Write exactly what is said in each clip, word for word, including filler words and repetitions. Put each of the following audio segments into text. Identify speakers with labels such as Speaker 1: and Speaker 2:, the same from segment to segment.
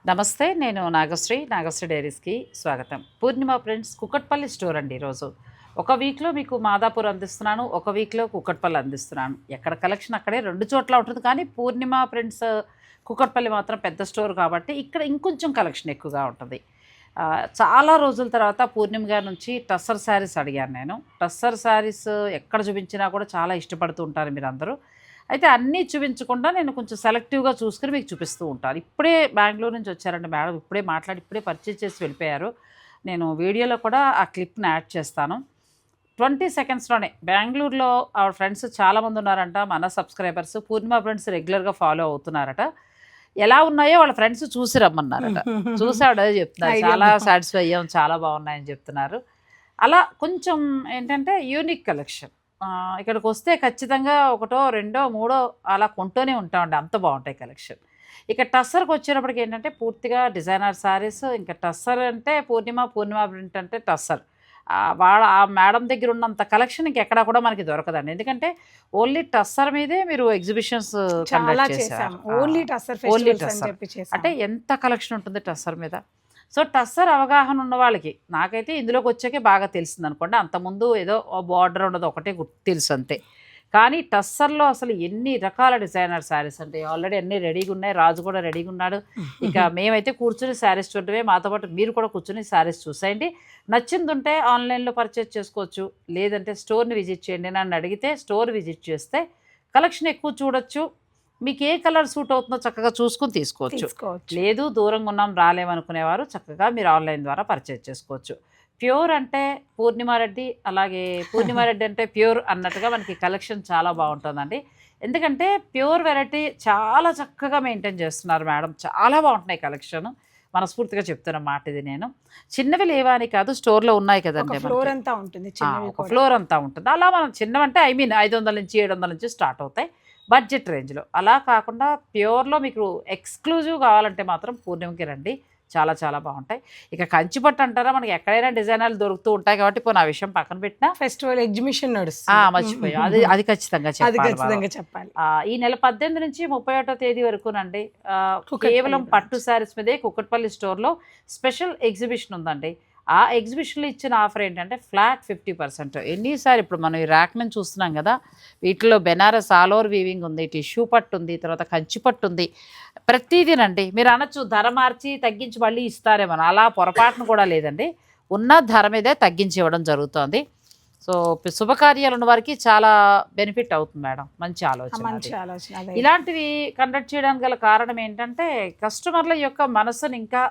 Speaker 1: నమస్తే, నేను నాగశ్రీ. నాగశ్రీ డైరీస్కి స్వాగతం. పూర్ణిమ ప్రింట్స్ కుకట్పల్లి స్టోర్ అండి. ఈరోజు ఒక వీక్లో మీకు మాదాపూర్ అందిస్తున్నాను, ఒక వీక్లో కుకట్పల్లి అందిస్తున్నాను. ఎక్కడ కలెక్షన్ అక్కడే రెండు చోట్ల ఉంటుంది, కానీ పూర్ణిమ ప్రింట్స్ కుకట్పల్లి మాత్రం పెద్ద స్టోర్ కాబట్టి ఇక్కడ ఇంకొంచెం కలెక్షన్ ఎక్కువగా ఉంటుంది. చాలా రోజుల తర్వాత పూర్ణిమ గారి నుంచి టస్సర్ శారీస్ అడిగాను నేను. టస్సర్ శారీస్ ఎక్కడ చూపించినా కూడా చాలా ఇష్టపడుతూ ఉంటారు మీరు అందరూ. అయితే అన్నీ చూపించకుండా నేను కొంచెం సెలెక్టివ్గా చూసుకుని మీకు చూపిస్తూ ఉంటాను. ఇప్పుడే బెంగళూరు నుంచి వచ్చారండి మేడం, ఇప్పుడే మాట్లాడి ఇప్పుడే పర్చేజ్ చేసి వెళ్ళిపోయారు. నేను వీడియోలో కూడా ఆ క్లిప్ని యాడ్ చేస్తాను. ట్వంటీ సెకండ్స్లోనే బెంగళూరులో ఆవిడ ఫ్రెండ్స్ చాలామంది ఉన్నారంట, మన సబ్స్క్రైబర్స్. పూర్ణిమ ఫ్రెండ్స్ రెగ్యులర్గా ఫాలో అవుతున్నారట. ఎలా ఉన్నాయో వాళ్ళ ఫ్రెండ్స్ చూసి రమ్మన్నారట. చూసి ఆవిడ అదే చెప్తున్నారు, చాలా సాటిస్ఫై అయ్యాం, చాలా బాగున్నాయని చెప్తున్నారు. అలా కొంచెం ఏంటంటే యూనిక్ కలెక్షన్. ఇక్కడికి వస్తే ఖచ్చితంగా ఒకటో రెండో మూడో అలా కొంటూనే ఉంటామండి, అంత బాగుంటాయి కలెక్షన్. ఇక టస్సర్కి వచ్చేటప్పటికి ఏంటంటే పూర్తిగా డిజైనర్ శారీస్. ఇంకా టస్సర్ అంటే పూర్ణిమ, పూర్ణిమ ప్రింట్ అంటే టస్సర్. వాళ్ళ ఆ మేడం దగ్గర ఉన్నంత కలెక్షన్ ఇంకెక్కడా కూడా మనకి దొరకదండి. ఎందుకంటే ఓన్లీ టస్సర్ మీదే మీరు ఎగ్జిబిషన్స్ కండక్ట్ చేశారు.
Speaker 2: ఓన్లీ టస్సర్
Speaker 1: ఓన్లీ టస్సర్ అంటే ఎంత కలెక్షన్ ఉంటుంది టస్సర్ మీద. సో టస్సర్ అవగాహన ఉన్న వాళ్ళకి, నాకైతే ఇందులోకి వచ్చాకే బాగా తెలిసింది అనుకోండి. అంతకుముందు ఏదో బార్డర్ ఉన్నది ఒకటే తెలుసు అంతే. కానీ టస్సర్లో అసలు ఎన్ని రకాల డిజైనర్ శారీస్ అంటే ఆల్రెడీ అన్నీ రెడీగా ఉన్నాయి. రాజు కూడా రెడీగా ఉన్నాడు. ఇక మేమైతే కూర్చుని శారీస్ చూడటమే, మాతో పాటు మీరు కూడా కూర్చుని శారీస్ చూసేయండి. నచ్చింది ఉంటే ఆన్లైన్లో పర్చేజ్ చేసుకోవచ్చు, లేదంటే స్టోర్ని విజిట్ చేయండి. నన్ను అడిగితే స్టోర్ విజిట్ చేస్తే కలెక్షన్ ఎక్కువ చూడొచ్చు. మీకు ఏ కలర్ సూట్ అవుతుందో చక్కగా చూసుకుని తీసుకోవచ్చు. లేదు దూరంగా ఉన్నాం రాలేమనుకునేవారు చక్కగా మీరు ఆన్లైన్ ద్వారా పర్చేజ్ చేసుకోవచ్చు. ప్యూర్ అంటే పూర్ణిమారెడ్డి, అలాగే పూర్ణిమారెడ్డి అంటే ప్యూర్ అన్నట్టుగా మనకి కలెక్షన్ చాలా బాగుంటుందండి. ఎందుకంటే ప్యూర్ వెరైటీ చాలా చక్కగా మెయింటైన్ చేస్తున్నారు మేడం. చాలా బాగుంటున్నాయి కలెక్షన్. మనస్ఫూర్తిగా చెప్తున్న మాట ఇది. నేను చిన్నవి లేవా అని కాదు, స్టోర్లో ఉన్నాయి కదండి,
Speaker 2: ఫ్లోర్ అంతా ఉంటుంది,
Speaker 1: ఒక ఫ్లోర్ అంతా ఉంటుంది. అలా మనం చిన్నవంటే ఐ మీన్ ఐదు వందల నుంచి ఏడు వందల నుంచి స్టార్ట్ అవుతాయి బడ్జెట్ రేంజ్లో. అలా కాకుండా ప్యూర్లో మీకు ఎక్స్క్లూజివ్ కావాలంటే మాత్రం పూర్ణిమకి రండి, చాలా చాలా బాగుంటాయి. ఇక కంచిపట్టు అంటారా, మనకి ఎక్కడైనా డిజైనర్లు దొరుకుతూ ఉంటాయి కాబట్టి పోనీ ఆ విషయం పక్కన పెట్టినా
Speaker 2: ఫెస్టివల్ ఎగ్జిబిషన్ నడుస్తుంది,
Speaker 1: మర్చిపోయాం, అది అది ఖచ్చితంగా
Speaker 2: చెప్పాలి.
Speaker 1: ఈ నెల పద్దెనిమిది నుంచి ముప్పై ఒకటో తేదీ వరకునండి కేవలం పట్టు శారీస్ మీదే కుకట్పల్లి స్టోర్లో స్పెషల్ ఎగ్జిబిషన్ ఉందండి. ఆ ఎగ్జిబిషన్లో ఇచ్చిన ఆఫర్ ఏంటంటే ఫ్లాట్ ఫిఫ్టీ పర్సెంట్. ఎన్నిసారి ఇప్పుడు మనం ఈ ర్యాక్ నుంచి చూస్తున్నాం కదా, వీటిలో బెనారస్ ఆల్ ఓవర్ వీవింగ్ ఉంది, టిష్యూ పట్టు ఉంది, తర్వాత కంచి పట్టు ఉంది. ప్రతిదీనండి మీరు అనొచ్చు ధర మార్చి తగ్గించి మళ్ళీ ఇస్తారేమో, అలా పొరపాటును కూడా లేదండి. ఉన్న ధర మీదే తగ్గించి ఇవ్వడం జరుగుతుంది. సో శుభకార్యాలు ఉన్న వారికి చాలా బెనిఫిట్ అవుతుంది మేడం. మంచి ఆలోచన. ఇలాంటివి కండక్ట్ చేయడానికి గల కారణం ఏంటంటే కస్టమర్ల యొక్క మనసుని ఇంకా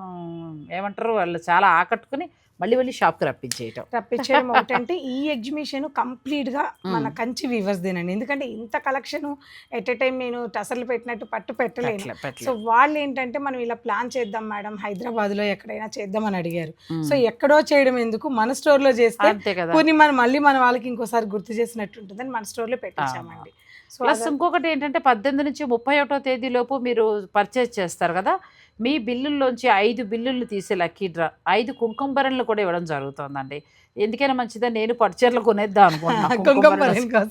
Speaker 1: ఏమంటారు, వాళ్ళు చాలా ఆకట్టుకుని మళ్ళీ మళ్ళీ షాప్కి రప్పించేయటం
Speaker 2: రప్పించడం ఒకటంటే ఈ ఎగ్జిబిషన్ కంప్లీట్గా మన కంచి వీవర్స్ దేనండి. ఎందుకంటే ఇంత కలెక్షన్ ఎట్ ఎ టైం నేను టసర్లు పెట్టినట్టు పట్టు పెట్టలేను. సో వాళ్ళు ఏంటంటే మనం ఇలా ప్లాన్ చేద్దాం మేడం, హైదరాబాద్లో ఎక్కడైనా చేద్దామని అడిగారు. సో ఎక్కడో చేయడం ఎందుకు, మన స్టోర్లో చేస్తే కొన్ని మనం మళ్ళీ మన వాళ్ళకి ఇంకోసారి గుర్తు చేసినట్టు ఉంటుందని మన స్టోర్లో పెట్టించామండి.
Speaker 1: ప్లస్ ఇంకొకటి ఏంటంటే పద్దెనిమిది నుంచి ముప్పై ఒకటో తేదీలోపు మీరు పర్చేజ్ చేస్తారు కదా, మీ బిల్లుల్లోంచి ఐదు బిల్లులు తీసే లక్కీ డ్రా ఐదు కుంకుమ బరెన్లు కూడా ఇవ్వడం జరుగుతుందండి. ఎందుకైనా మంచిదని నేను పట్టుచీరలు కొనేద్దాం అనుకుంటున్నాను.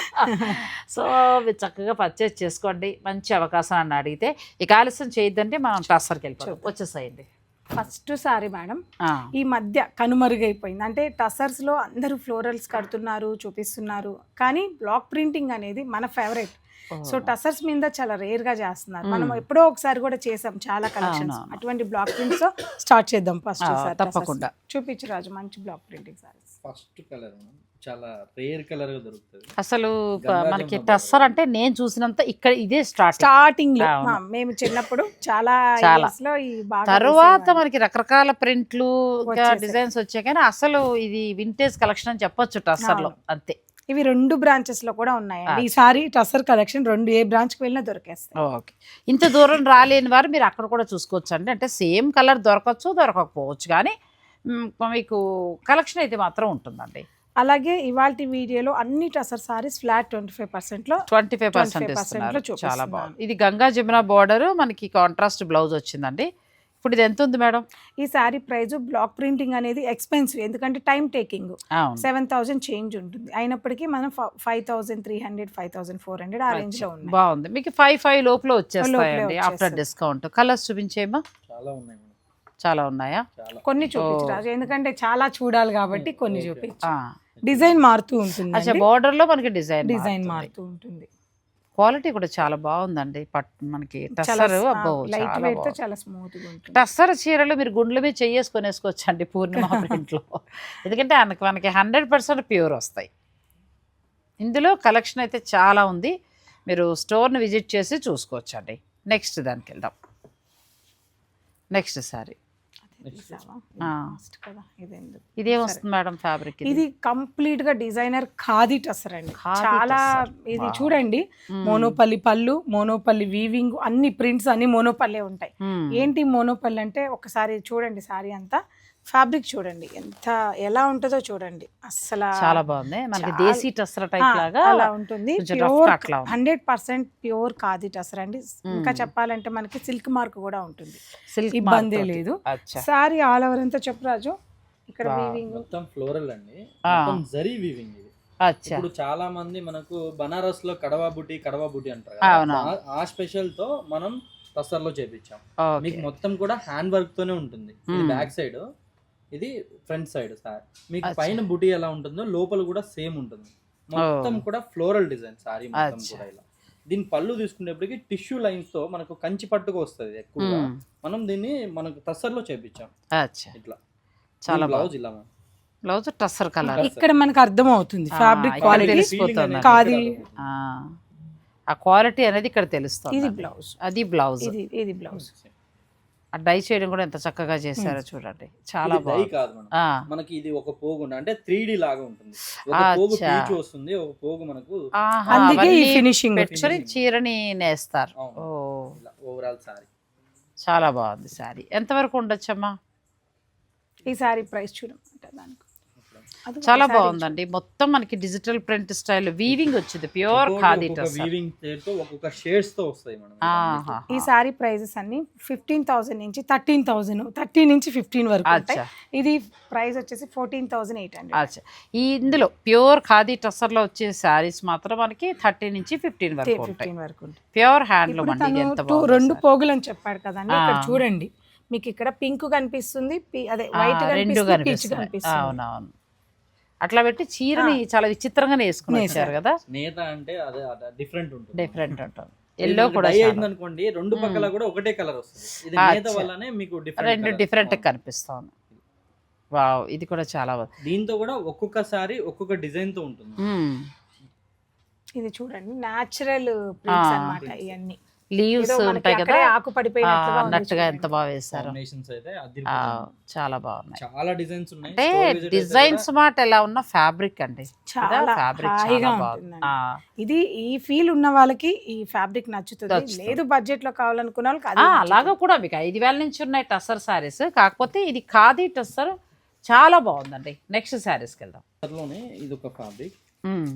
Speaker 1: సో చక్కగా పర్చేజ్ చేసుకోండి, మంచి అవకాశం అని అడిగితే. ఇక ఆలస్యం చేయొద్దంటే మనం టస్సర్కి వెళ్ళిపోతాం. వచ్చేసాయండి
Speaker 2: ఫస్ట్ సారీ మేడం, ఈ మధ్య కనుమరుగైపోయింది. అంటే టసర్స్లో అందరూ ఫ్లోరల్స్ కడుతున్నారు, చూపిస్తున్నారు, కానీ బ్లాక్ ప్రింటింగ్ అనేది మన ఫేవరెట్. సో టసర్స్ మీద చాలా రేర్ గా చేస్తున్నారు. మనం ఎప్పుడో ఒకసారి కూడా చేసాం చాలా కలెక్షన్స్. అటువంటి బ్లాక్ ప్రింట్స్ స్టార్ట్ చేద్దాం ఫస్ట్.
Speaker 1: తప్పకుండా
Speaker 2: చూపించు రాజు, మంచి block printing saris.
Speaker 3: First colour చాలా రేర్ కలర్ గా దొరుకుతుంది.
Speaker 1: అసలు మనకి టస్సర్ అంటే నేను చూసినంత ఇక్కడ ఇదే స్టార్ట్
Speaker 2: స్టార్టింగ్ లో మేము చిన్నప్పుడు చాలా
Speaker 1: చాలా తర్వాత మనకి రకరకాల ప్రింట్లు డిజైన్స్ వచ్చాయి, కానీ అసలు ఇది వింటేజ్ కలెక్షన్ అని చెప్పొచ్చు టస్సర్ లో. అంతే.
Speaker 2: ఇవి రెండు బ్రాంచెస్ లో కూడా ఉన్నాయండి. ఈసారి టస్సర్ కలెక్షన్ రెండు ఏ బ్రాంచ్ కి వెళ్ళినా దొరికేస్తాయి.
Speaker 1: ఓకే, ఇంత దూరం రాలేని వారు మీరు అక్కడ కూడా చూసుకోవచ్చు అండి. అంటే సేమ్ కలర్ దొరకచ్చు, దొరకకపోవచ్చు, కానీ మీకు కలెక్షన్ అయితే మాత్రం ఉంటుందండి.
Speaker 2: అలాగే ఇవాళ వీడియోలో అన్ని tussar saris flat twenty five percent లో
Speaker 1: ట్వంటీ ఫైవ్ పర్సెంట్ చాలా బాగుంది. ఇది గంగా జమున బోర్డర్, మనకి కాంట్రాస్ట్ బ్లౌజ్ వచ్చిందండి. ఇప్పుడు ఇది ఎంత ఉంది మేడం?
Speaker 2: ఈ శారీ ప్రైస్ బ్లాక్ ప్రింటింగ్ అనేది ఎక్స్పెన్సివ్, ఎందుకంటే టైం టేకింగ్.
Speaker 1: అవును.
Speaker 2: సెవెన్ థౌసండ్ చేంజ్ ఉంటుంది, అయినప్పటికీ మనం five thousand three hundred five thousand four hundred ఆ రేంజ్ లో ఉంది.
Speaker 1: బాగుంది. మీకు ఫైవ్ ఫైవ్ లోపల వచ్చేస్తాయండి
Speaker 2: లోపలే
Speaker 1: ఆఫ్టర్
Speaker 2: వచ్చేస్తాయి.
Speaker 1: డిస్కౌంట్. కలర్స్ చూపించేమా?
Speaker 3: చాలా ఉన్నాయి మేడం,
Speaker 1: చాలా ఉన్నాయా?
Speaker 3: చాలా.
Speaker 2: కొన్ని చూపించరాజు, ఎందుకంటే చాలా చూడాలి కాబట్టి కొన్ని చూపించు.
Speaker 1: ఆ.
Speaker 2: డిజైన్ మారుతూ ఉంటుంది,
Speaker 1: అచ్చా, బార్డర్ లో మనకి డిజైన్
Speaker 2: డిజైన్ మారుతూ ఉంటుంది.
Speaker 1: క్వాలిటీ కూడా చాలా బాగుందండి. పట్ మనకి టస్సర్ అబ్బో
Speaker 2: లైట్
Speaker 1: చాలా
Speaker 2: వెయిట్ తో
Speaker 1: బాగుంది.
Speaker 2: చాలా స్మూత్ గా ఉంటుంది.
Speaker 1: టస్సర్ చీరలు మీరు గుండ్ల మీద చెయ్యేసుకొని వేసుకోవచ్చు అండి పూర్ణిమ ప్రింట్లో, ఎందుకంటే మనకి మనకి హండ్రెడ్ పర్సెంట్ ప్యూర్ వస్తాయి. ఇందులో కలెక్షన్ అయితే చాలా ఉంది, మీరు స్టోర్ని విజిట్ చేసి చూసుకోవచ్చు అండి. నెక్స్ట్ దానికి వెళ్దాం. నెక్స్ట్ సారీ
Speaker 2: తీసావా?
Speaker 1: ఆ.
Speaker 2: Last కదా, ఇది ఎందుకు?
Speaker 1: ఇదేం వస్తుంది మేడం ఫ్యాబ్రిక్?
Speaker 2: ఇది కంప్లీట్ గా డిజైనర్ ఖాదీ టసర్ అండి.
Speaker 1: ఖాదీ
Speaker 2: చాలా
Speaker 1: టస్సర్.
Speaker 2: ఇది
Speaker 1: వావ్.
Speaker 2: చూడండి, మోనోపల్లి పళ్ళు, మోనోపల్లి వీవింగ్, అన్ని ప్రింట్స్ అన్ని మోనోపల్లే ఉంటాయి. ఏంటి మోనోపల్లి అంటే ఒకసారి చూడండి, సారీ అంతా ఫ్యాబ్రిక్ చూడండి ఎంత ఎలా ఉంటుందో చూడండి. అస్సలు
Speaker 1: చాలా బాగుంది. మనకి
Speaker 2: చాలా-
Speaker 1: దేశీ టస్సర్ టైప్
Speaker 2: ఆ,
Speaker 1: లాగా
Speaker 2: అలా ఉంటుంది.
Speaker 1: కొంచెం rough
Speaker 2: ప్యూర్
Speaker 1: cut లా ఉంది.
Speaker 2: Hundred percent pure khadi tussar అండి. ఇంకా చెప్పాలంటే మనకి సిల్క్ మార్క్ కూడా ఉంటుంది,
Speaker 1: సిల్క్
Speaker 2: ఇబ్బందే లేదు.
Speaker 1: అచ్చా.
Speaker 2: సారీ ఆల్ ఓవర్ అంతా చెప్పు రాజు. ఇక్కడ
Speaker 1: వావ్.
Speaker 2: వీవింగ్
Speaker 3: మొత్తం ఫ్లోరల్ అండి,
Speaker 1: ఆ.
Speaker 3: మొత్తం జరీ వీవింగ్ ఇది.
Speaker 1: అచ్చా.
Speaker 3: ఇప్పుడు చాలా మంది మనకు బనారస్ లో కడవా బుట్టి కడవా బుట్టి అంటారు
Speaker 1: అవును.
Speaker 3: కదా, ఆ- ఆ స్పెషల్ తో మనం టస్సర్ లో చేపించాం.
Speaker 1: ఓకే.
Speaker 3: మీకు మొత్తం కూడా హ్యాండ్ వర్క్ తోనే ఉంటుంది. ఇది
Speaker 1: మ్మ్.
Speaker 3: బ్యాక్ సైడ్, ఇది ఫ్రంట్ సైడ్. సార్ మీకు
Speaker 1: అచ్చా.
Speaker 3: పైన బుటీ ఎలా ఉంటుందో లోపల కూడా సేమ్ ఉంటుంది. మొత్తం
Speaker 1: ఓ.
Speaker 3: కూడా ఫ్లోరల్ డిజైన్ సారీ మొత్తం
Speaker 1: అచ్చా.
Speaker 3: కూడా ఇలా. దీని పళ్ళు తీసుకునేప్పటికి టిష్యూ లైన్స్ తో మనకు కంచి పట్టుకు వస్తుంది ఎక్కువగా.
Speaker 1: మ్మ్.
Speaker 3: మనం దీన్ని మనకు టస్సర్ లో చేపించాం
Speaker 1: అచ్చా.
Speaker 3: ఇట్లా.
Speaker 1: చాలా
Speaker 3: బ్లౌజ్
Speaker 1: బాగుంది.
Speaker 3: ఇలా మనం.
Speaker 1: Blouse tussar colour.
Speaker 2: ఇక్కడ మనకు అర్థం అవుతుంది
Speaker 1: ఆ,
Speaker 2: ఫ్యాబ్రిక్
Speaker 1: ఇక్కడ
Speaker 2: క్వాలిటీ.
Speaker 1: తెలిసిపోతుంది.
Speaker 2: ఖాదీ.
Speaker 1: ఆ క్వాలిటీ అనేది ఇక్కడ తెలుస్తుంది.
Speaker 2: ఇది బ్లౌజ్,
Speaker 1: అది బ్లౌజ్.
Speaker 2: ఇది ఇది బ్లౌజ్.
Speaker 1: ఆ డై చేయడం కూడా ఎంత చక్కగా చేశారో చూడండి, చాలా
Speaker 3: ఇది డై
Speaker 1: బాగుంది.
Speaker 3: కాదు మనం.
Speaker 1: ఆ,
Speaker 3: మనకి ఇది ఒక పోగు ఉంది, అంటే త్రీ డి లాగా ఉంటుంది. ఒక పోగు
Speaker 1: అచ్చా.
Speaker 3: పీచు వస్తుంది, ఒక పోగు మనకు
Speaker 1: ఆహా,
Speaker 2: అందుకే ఈ
Speaker 1: అవన్నీ
Speaker 2: ఫినిషింగ్.
Speaker 1: పెట్టుకొని చీరని నేస్తారు.
Speaker 3: అవును.
Speaker 1: ఓ,
Speaker 3: ఇలా ఓవరాల్ సారీ.
Speaker 1: చాలా బాగుంది సారీ. ఎంతవరకు ఉండొచ్చమ్మా?
Speaker 2: ఈ సారీ ప్రైస్ చూడమంట దానికి. అది
Speaker 1: చాలా
Speaker 2: ఒకసారి
Speaker 1: బాగుందండి. మొత్తం మనకి డిజిటల్ ప్రింట్ స్టైల్ వీవింగ్ వచ్చింది, ప్యూర్ ఖాదీ టస్సర్.
Speaker 3: వీవింగ్ తో ఒక్కొక్క షేడ్స్ తో వస్తాయి మనం.
Speaker 1: ఆహా.
Speaker 2: ఈ సారీ ప్రైజెస్ అన్ని ఫిఫ్టీన్ థౌసండ్ నుంచి థర్టీన్ థౌసండ్ థర్టీన్ నుంచి ఫిఫ్టీన్ వరకు ఉంటాయి.
Speaker 1: అచ్చా.
Speaker 2: ఇది ప్రైస్ వచ్చేసి ఫోర్టీన్ థౌసండ్ ఎయిట్ హండ్రెడ్.
Speaker 1: అచ్చా. ఈ ఇందులో ప్యూర్ ఖాదీ టస్సర్లో వచ్చే శారీస్ మాత్రం మనకి థర్టీ నుంచి ఫిఫ్టీన్ వరకు ఉంటాయి.
Speaker 2: ఫిఫ్టీన్ వరకు ఉంటుంది.
Speaker 1: ప్యూర్ హ్యాండ్లూమ్
Speaker 2: ఇప్పుడు
Speaker 1: అండి. ఇది
Speaker 2: తను
Speaker 1: ఎంత
Speaker 2: టూ
Speaker 1: బాగుందో
Speaker 2: రెండు
Speaker 1: సారీ.
Speaker 2: పోగులు అని చెప్పాడు కదండి, ఇక్కడ
Speaker 1: ఆ.
Speaker 2: చూడండి మీకు ఇక్కడ పింక్ కనిపిస్తుంది, పి- అదే
Speaker 1: ఆ,
Speaker 2: వైట్
Speaker 1: రెండు
Speaker 2: కనిపిస్తుంది, పీచ్
Speaker 1: కనిపిస్తున్నాయి.
Speaker 2: కనిపిస్తుంది.
Speaker 1: అవునవును. అట్లా పెట్టి చీరని చాలా విచిత్రంగానే వేసుకుని వచ్చారు కదా,
Speaker 3: నేత అంటే అదే డిఫరెంట్ ఉంటుంది.
Speaker 1: డిఫరెంట్ ఉంటుంది. ఎల్లో కూడా
Speaker 3: డై
Speaker 1: చాలా.
Speaker 3: అయింది అనుకోండి, రెండు పక్కల కూడా ఒకటే కలర్ వస్తుంది. ఇది
Speaker 1: అచ్చా.
Speaker 3: నేత వల్లనే మీకు
Speaker 1: రెండు
Speaker 3: డిఫరెంట్
Speaker 1: డిఫరెంట్ కనిపిస్తాను. వావ్, ఇది కూడా చాలా బాగుంది.
Speaker 3: దీంతో కూడా ఒక్కొక్క సారీ ఒక్కొక్క డిజైన్ తో ఉంటుంది.
Speaker 1: మ్మ్.
Speaker 2: ఇది చూడండి న్యాచురల్ ప్రింట్స్
Speaker 1: ఆ.
Speaker 2: అన్నమాట ఇవన్నీ.
Speaker 1: లీవ్స్
Speaker 2: ఏదో మనకి
Speaker 1: ఉంటాయి కదా,
Speaker 2: అక్కడే ఆకు
Speaker 1: ఆ,
Speaker 2: పడిపోయినట్లుగా ఉంది
Speaker 1: అన్నట్టుగా
Speaker 2: చూడండి.
Speaker 1: ఎంత బాగా వేశారు.
Speaker 3: కాంబినేషన్స్ అయితే
Speaker 1: ఆ,
Speaker 3: అదిరిపోతుంది.
Speaker 1: చాలా బాగున్నాయి.
Speaker 3: చాలా డిజైన్స్ ఉన్నాయి.
Speaker 1: అంటే
Speaker 3: Storage అయితే
Speaker 1: డిజైన్స్
Speaker 3: కూడా
Speaker 1: మాట ఎలా ఉన్న ఫ్యాబ్రిక్ అండి,
Speaker 2: చాలా
Speaker 1: ఫ్యాబ్రిక్
Speaker 2: హాయిగా
Speaker 1: చాలా బాగుంది.
Speaker 2: ఉంటుందండి.
Speaker 1: ఆ.
Speaker 2: ఇది ఈ ఫీల్ ఉన్న వాళ్ళకి ఈ ఫ్యాబ్రిక్ నచ్చుతుంది,
Speaker 1: నచ్చుతుంది.
Speaker 2: లేదు బడ్జెట్ లో కావాలనుకున్న వాళ్ళకి
Speaker 1: ఆ,
Speaker 2: అది నచ్చుతుంది.
Speaker 1: అలాగా కూడా మీకు ఐదు వేల నుంచి ఉన్నాయి టస్సర్ శారీస్, కాకపోతే ఇది ఖాదీ టస్సర్ చాలా బాగుందండి. నెక్స్ట్ శారీస్కి వెళ్దాం.
Speaker 3: లోనే ఇది ఒక ఫ్యాబ్రిక్.
Speaker 1: మ్మ్.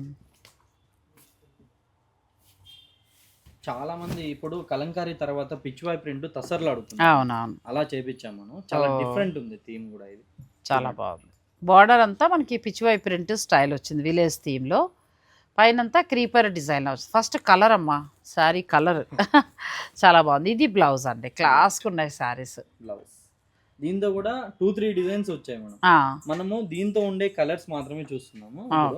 Speaker 3: చాలా మంది ఇప్పుడు కలంకారీ తర్వాత పిచ్వాయ్ ప్రింట్ తసర్లు అడుగుతున్నారు.
Speaker 1: అవునవును,
Speaker 3: అలా చేపించాం మనం. చాలా
Speaker 1: ఓ.
Speaker 3: డిఫరెంట్ ఉంది థీమ్ కూడా. ఇది
Speaker 1: చాలా బాగుంది. బార్డర్ అంతా మనకి పిచ్చివై ప్రింట్ స్టైల్ వచ్చింది విలేజ్ థీమ్లో, పైనంతా క్రీపర్ డిజైన్ వచ్చింది. ఫస్ట్ కలర్ అమ్మా, శారీ కలర్ చాలా బాగుంది. ఇది బ్లౌజ్ అండి, క్లాస్గా ఉన్నాయి శారీస్.
Speaker 3: బ్లౌజ్. దీంతో కూడా టూ త్రీ డిజైన్స్ వచ్చాయి మనం. మనము దీంతో ఉండే కలర్స్ మాత్రమే చూస్తున్నాము. ఇప్పుడు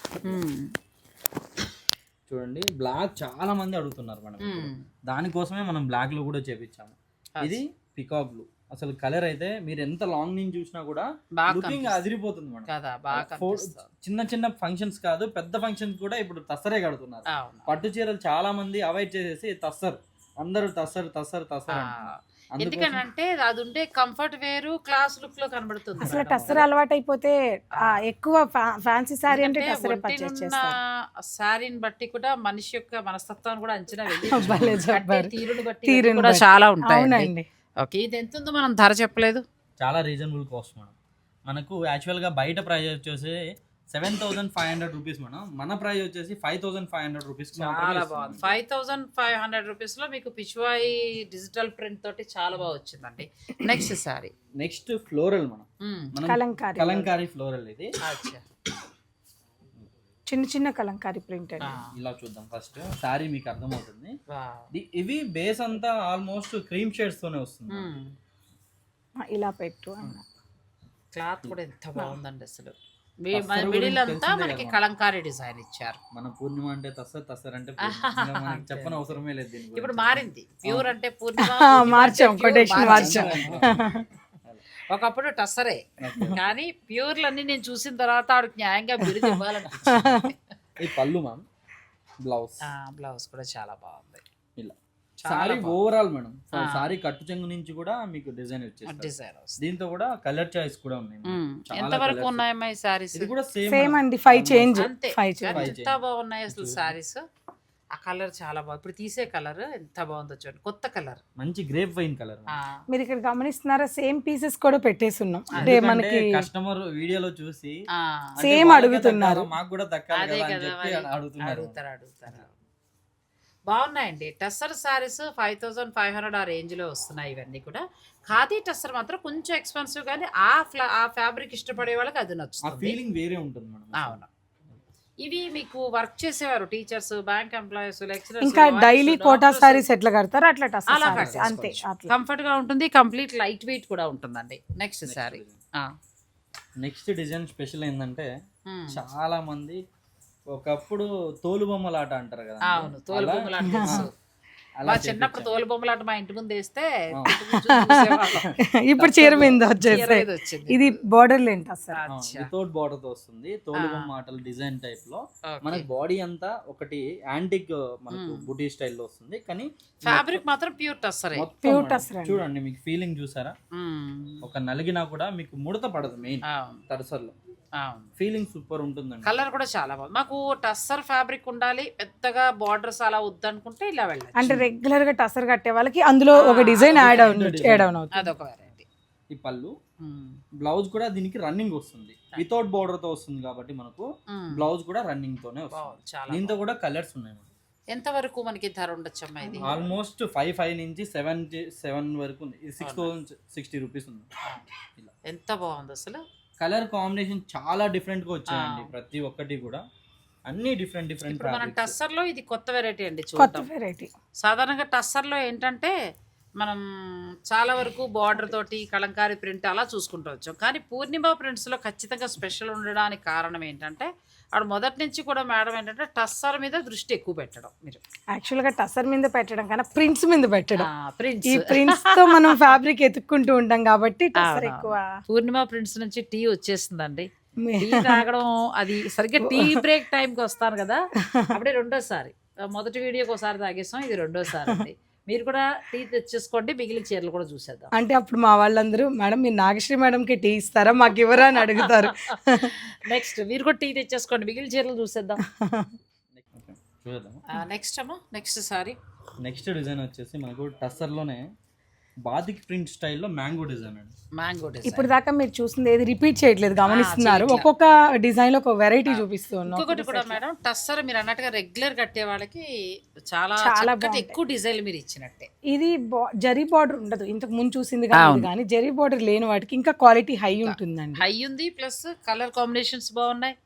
Speaker 3: చూడండి, బ్లాక్ చాలా మంది అడుగుతున్నారు మనం. దానికోసమే మనం బ్లాక్ లో కూడా చేపించాము. ఇది పికాక్ బ్లూ. అసలు కలర్ అయితే మీరు ఎంత లాంగ్ నుంచి చూసినా కూడా లుకింగ్ అదిరిపోతుంది మేడం
Speaker 1: కదా, బాగా
Speaker 3: చిన్న చిన్న ఫంక్షన్స్ కాదు, పెద్ద ఫంక్షన్స్ కూడా ఇప్పుడు తస్సరే కడుతున్నారు. పట్టు చీరలు చాలా మంది అవాయిడ్ చేసేసి తస్సర్, అందరూ తస్సర్ తస్సర్ తస్సర్ అంటున్నారు.
Speaker 1: ఎందుకంటే అది ఉంటే కంఫర్ట్ వేరు, క్లాస్ లుక్ లో కనబడుతుంది.
Speaker 2: అసలు టస్సర్ అలవాటు అయిపోతే ఆ, ఎక్కువ ఫ్యాన్సీ సారీ అంటే టస్సరే పర్చేస్ చేస్తారు.
Speaker 1: శారీని బట్టి కూడా మనిషి యొక్క మనస్తత్వాన్ని కూడా అంచనా వేయాలి.
Speaker 2: భలే చెప్పారు.
Speaker 1: తీరుని బట్టి
Speaker 2: తీరుని
Speaker 1: కూడా
Speaker 2: బట్టి.
Speaker 1: చాలా ఉంటాయి.
Speaker 2: అవునండి.
Speaker 1: ఓకే, ఇది ఎంత ఉందో మనం ధర చెప్పలేదు.
Speaker 3: చాలా రీజనబుల్ కాస్ట్ మేడం. మనకు యాక్చువల్గా బయట ప్రైస్ వచ్చేసి seven thousand five hundred rupees madam. మన ప్రైస్ వచ్చేసి five thousand five hundred rupees.
Speaker 1: చాలా బాగుంది. Five thousand five hundred rupees లో మీకు పిచ్వాయి డిజిటల్ ప్రింట్ తోటి చాలా బాగా వచ్చిందండి. నెక్స్ట్ సారీ
Speaker 3: నెక్స్ట్ ఫ్లోరల్ మనం మనం
Speaker 2: కలంకారీ
Speaker 3: కలంకారీ ఫ్లోరల్ ఇది.
Speaker 1: అచ్చా,
Speaker 2: చిన్న చిన్న కలంకారీ ప్రింట్ అండి.
Speaker 3: ఇలా చూద్దాం ఫస్ట్ సారీ మీకు అర్థమవుతుంది.
Speaker 1: వావ్.
Speaker 3: ఇది- ఇవి బేస్ అంతా ఆల్మోస్ట్ క్రీమ్ షేడ్స్ తోనే వస్తుంది.
Speaker 1: మ్మ్.
Speaker 2: ఇలా పెట్టు అన్న.
Speaker 1: క్లాత్ కూడా ఎంత బాగుందండి అసలు.
Speaker 3: తస్సరు
Speaker 1: మిడిల్
Speaker 3: గురించి
Speaker 1: అంతా
Speaker 3: తెలిసిందే
Speaker 1: మనకి
Speaker 3: కదా.
Speaker 1: కలంకారీ డిజైన్ ఇచ్చారు.
Speaker 3: మన పూర్ణిమ అంటే తస్సర్, తస్సర్ అంటే పూర్ణిమ. ఇంకా మనకి చెప్పని అవసరమే లేదు దీని గురించి.
Speaker 1: ఇప్పుడు మారింది. ప్యూర్ అంటే పూర్ణిమ,
Speaker 2: ఆ,
Speaker 1: పూర్ణిమ
Speaker 2: మార్చాం,
Speaker 1: అంటే pure
Speaker 2: కొటేషన్
Speaker 1: మార్చాం.
Speaker 2: మార్చాం.
Speaker 1: ఒకప్పుడు టస్సరే, కానీ ప్యూర్లన్నీ నేను చూసిన తర్వాత ఆవిడకి న్యాయంగా బిరుదు ఇవ్వాలని.
Speaker 3: ఈ పళ్ళు మ్యామ్, బ్లౌజ్
Speaker 1: బ్లౌజ్ కూడా చాలా బాగుంది.
Speaker 3: ఇలా
Speaker 1: చాలా
Speaker 3: సారీ
Speaker 1: బాగుంది.
Speaker 3: Overall madam.
Speaker 1: ఆ.
Speaker 3: సారీ కట్టు చెంగు నుంచి కూడా మీకు డిజైన్ వచ్చేసి
Speaker 1: డిజైన్ వస్తుంది.
Speaker 3: దీంతో కూడా కలర్ చాయిస్ కూడా ఉన్నాయి మేడం.
Speaker 1: మ్మ్.
Speaker 3: చాలా
Speaker 1: ఎంత వరకు
Speaker 3: colours.
Speaker 1: ఉన్నాయమ్మా ఈ సారీస్?
Speaker 3: ఇది కూడా సేమ్
Speaker 2: సేమ్ అండి, ఫైవ్ చేంజ్
Speaker 1: అంతే.
Speaker 2: ఫైవ్
Speaker 1: కానీ
Speaker 2: చేంజ్.
Speaker 3: Five
Speaker 1: ఎంత బాగున్నాయి అసలు సారీస్. ఆ కలర్ చాలా బాగుంది. ఇప్పుడు తీసే కలర్ ఎంత బాగుందో చూడండి, కొత్త కలర్.
Speaker 3: మంచి గ్రేప్ వైన్ కలర్.
Speaker 2: మీరు ఇక్కడ గమనిస్తున్నారా, సేమ్ పీసెస్ కూడా పెట్టేసి ఉన్నాం. అంటే మనకి
Speaker 3: కస్టమర్ వీడియోలో చూసి అంటే
Speaker 2: సేమ్
Speaker 3: వాళ్ళకే
Speaker 2: అడుగుతున్నారు.
Speaker 3: దక్కాలా, మాకు కూడా దక్కాలి
Speaker 1: అదే
Speaker 3: కదా అని
Speaker 1: కదా
Speaker 3: చెప్పి
Speaker 1: మరి.
Speaker 3: అడుగుతున్నారు.
Speaker 1: అడుగుతారు అడుగుతారు బాగున్నాయండి. Tussar saris five thousand five hundred ఆ రేంజ్ లో వస్తున్నాయి. ఇవన్నీ కూడా ఖాదీ టస్సర్ మాత్రం కొంచెం ఎక్స్పెన్సివ్, కానీ ఆ ఫ్లా ఆ ఫ్యాబ్రిక్ ఇష్టపడే వాళ్ళకి అది
Speaker 3: ఆ
Speaker 1: నచ్చుతుంది.
Speaker 3: ఫీలింగ్ వేరే ఉంటుంది మేడం.
Speaker 1: అవును. ఇవి మీకు వర్క్ చేసేవారు టీచర్స్, బ్యాంక్ ఎంప్లాయీస్, లెక్చరర్స్,
Speaker 2: ఇంకా డైలీ కోటా సారీస్ ఎట్లా కడతారు అట్లా టస్సర్
Speaker 1: అలా
Speaker 2: సారీస్ అంతే. అట్లా
Speaker 1: కంఫర్ట్ గా ఉంటుంది. కంప్లీట్ లైట్ వెయిట్ కూడా ఉంటుందండి. Next sari.
Speaker 3: Next design special ఏంటంటే చాలా మంది ఒకప్పుడు తోలు బొమ్మల ఆట అంటారు కదా.
Speaker 1: అవును, తోలు బొమ్మలు అంటే తెలుసు.
Speaker 3: అలా
Speaker 1: మా చిన్నప్పుడు తోలు బొమ్మలాట మా ఇంటి ముందు వేస్తే
Speaker 3: ఆ.
Speaker 1: ఇంటి ముందు చూసి చూసేవాళ్ళం.
Speaker 2: ఇప్పుడు చీర మీద వచ్చేసి
Speaker 1: చీర ఏదో వచ్చింది.
Speaker 2: ఇది బోర్డర్ లేంట సార్.
Speaker 1: అచ్చా.
Speaker 3: వితౌట్ బార్డర్ తో వస్తుంది. తోలు
Speaker 1: ఆ.
Speaker 3: బొమ్మ ఆటలు డిజైన్ టైప్ లో
Speaker 1: Okay.
Speaker 3: మనకి బాడీ అంతా ఒకటి యాంటిక్ మనకు
Speaker 1: మ్మ్.
Speaker 3: బుటీ స్టైల్లో వస్తుంది. కానీ
Speaker 1: ఫ్యాబ్రిక్ మాత్రం ప్యూర్ టస్సరే.
Speaker 3: మొత్తం
Speaker 2: Pure
Speaker 3: మేడం,
Speaker 2: టస్సర్ అండి.
Speaker 3: చూడండి మీకు ఫీలింగ్ చూసారా, ఒక నలిగినా కూడా మీకు ముడత పడదు. మెయిన్
Speaker 1: అవును
Speaker 3: తరసర్లో
Speaker 1: అవును.
Speaker 3: ఫీలింగ్ సూపర్ ఉంటుందండి.
Speaker 1: కలర్ కూడా చాలా బాగుంది. మాకు టస్సర్ ఫ్యాబ్రిక్ ఉండాలి, పెద్దగా బార్డర్స్ అలా వద్దనుకుంటే ఇలా వెళ్ళాలి.
Speaker 2: అంటే రెగ్యులర్ గా టసర్ కట్టే వాళ్ళకి అందులో ఒక డిజైన్ యాడ్ అవుతుంది, యాడ్ ఆన్ అవుతుంది.
Speaker 1: అదొక వెరైటీ.
Speaker 3: ఈ పళ్ళు బ్లౌజ్ కూడా దీనికి రన్నింగ్ వస్తుంది. వితౌట్ బార్డర్ తో వస్తుంది కాబట్టి మనకు బ్లౌజ్ కూడా రన్నింగ్ తోనే వస్తుంది.
Speaker 1: బాగుంది చాలా.
Speaker 3: దీంతో కూడా కలర్స్ ఉన్నాయి.
Speaker 1: ఎంత వరకు మనకి ధర ఉండొచ్చమ్మా ఇది?
Speaker 3: ఆల్మోస్ట్ ఫైవ్ ఫైవ్ నుంచి సెవెన్ సెవెన్ వరకు ఉంది. ఇది సిక్స్ థౌసండ్ సిక్స్టీ రూపీస్ ఉంది. ఇలా
Speaker 1: ఎంత బాగుంది అసలు.
Speaker 3: కలర్ కాంబినేషన్ చాలా డిఫరెంట్ గా వచ్చాయండి. ప్రతి ఒక్కటి కూడా అన్ని డిఫరెంట్ డిఫరెంట్.
Speaker 1: ఇప్పుడు మనం టస్సర్ లో ఇది కొత్త వెరైటీ అండి.
Speaker 2: కొత్త
Speaker 1: చూద్దాం.
Speaker 2: వెరైటీ.
Speaker 1: సాధారణంగా టస్సర్ లో ఏంటంటే మనం చాలా వరకు బార్డర్ తోటి కలంకారీ ప్రింట్ అలా చూసుకుంటూ వచ్చాం. కానీ పూర్ణిమ ప్రింట్స్ లో ఖచ్చితంగా స్పెషల్ ఉండడానికి కారణం ఏంటంటే ఆవిడ మొదటి నుంచి కూడా మేడం ఏంటంటే టస్సర్ మీద దృష్టి ఎక్కువ పెట్టడం. మీరు
Speaker 2: యాక్చువల్ గా టసర్ మీద పెట్టడం కన్నా ప్రింట్స్ మీద పెట్టడం.
Speaker 1: ప్రింట్స్
Speaker 2: ఈ ప్రింట్స్ తో మనం ఫ్యాబ్రిక్ ఎత్తుక్కుంటూ ఉంటాం కాబట్టి టసర్ ఎక్కువ.
Speaker 1: పూర్ణిమ ప్రింట్స్ నుంచి టీ వచ్చేసిందండి. టీ తాగడం అది సరిగ్గా టీ బ్రేక్ టైంకి వస్తాను కదా, అప్పుడే రెండోసారి. మొదటి వీడియోకి ఒకసారి తాగేస్తాం, ఇది రెండోసారి అండి. మీరు కూడా టీ తెచ్చేసుకోండి, మిగిలిన చీరలు కూడా చూసేద్దాం.
Speaker 2: అంటే అప్పుడు మా వాళ్ళందరూ మేడం మీరు నాగశ్రీ మేడంకి టీ ఇస్తారా మాకు ఇవ్వరా అని అడుగుతారు.
Speaker 1: నెక్స్ట్ మీరు కూడా టీ తెచ్చేసుకోండి, మిగిలిన చీరలు చూసేద్దాం.
Speaker 3: చూద్దాం.
Speaker 1: నెక్స్ట్ అమ్మా, నెక్స్ట్ సారీ.
Speaker 3: నెక్స్ట్ డిజైన్ వచ్చేసి మనకు టస్సర్ లోనే బాతిక్ ప్రింట్ స్టైల్లో మ్యాంగో డిజైన్ అండి.
Speaker 1: మ్యాంగో
Speaker 2: ఇప్పుడు దాకా మీరు చూసింది ఏది రిపీట్ చేయట్లేదు, గమనిస్తున్నారు. ఒక్కొక్క డిజైన్ లో ఒక వెరైటీ చూపిస్తూ ఉన్నాం.
Speaker 1: ఇంకొకటి కూడా మేడం, టస్సర్ మీరు అన్నట్టుగా రెగ్యులర్ కట్టే వాళ్ళకి చాలా
Speaker 2: చాలా
Speaker 1: చక్కటి
Speaker 2: బాగుంటాయి.
Speaker 1: ఎక్కువ డిజైన్ మీరు ఇచ్చినట్టే.
Speaker 2: ఇది బా- జరీ బార్డర్ ఉండదు, ఇంతకు ముందు చూసింది కానీ కానీ జరీ బార్డర్ లేని వాటికి ఇంకా క్వాలిటీ హై ఉంటుందండి.
Speaker 1: హై ఉంది, ప్లస్ కలర్ కాంబినేషన్స్ బాగున్నాయి,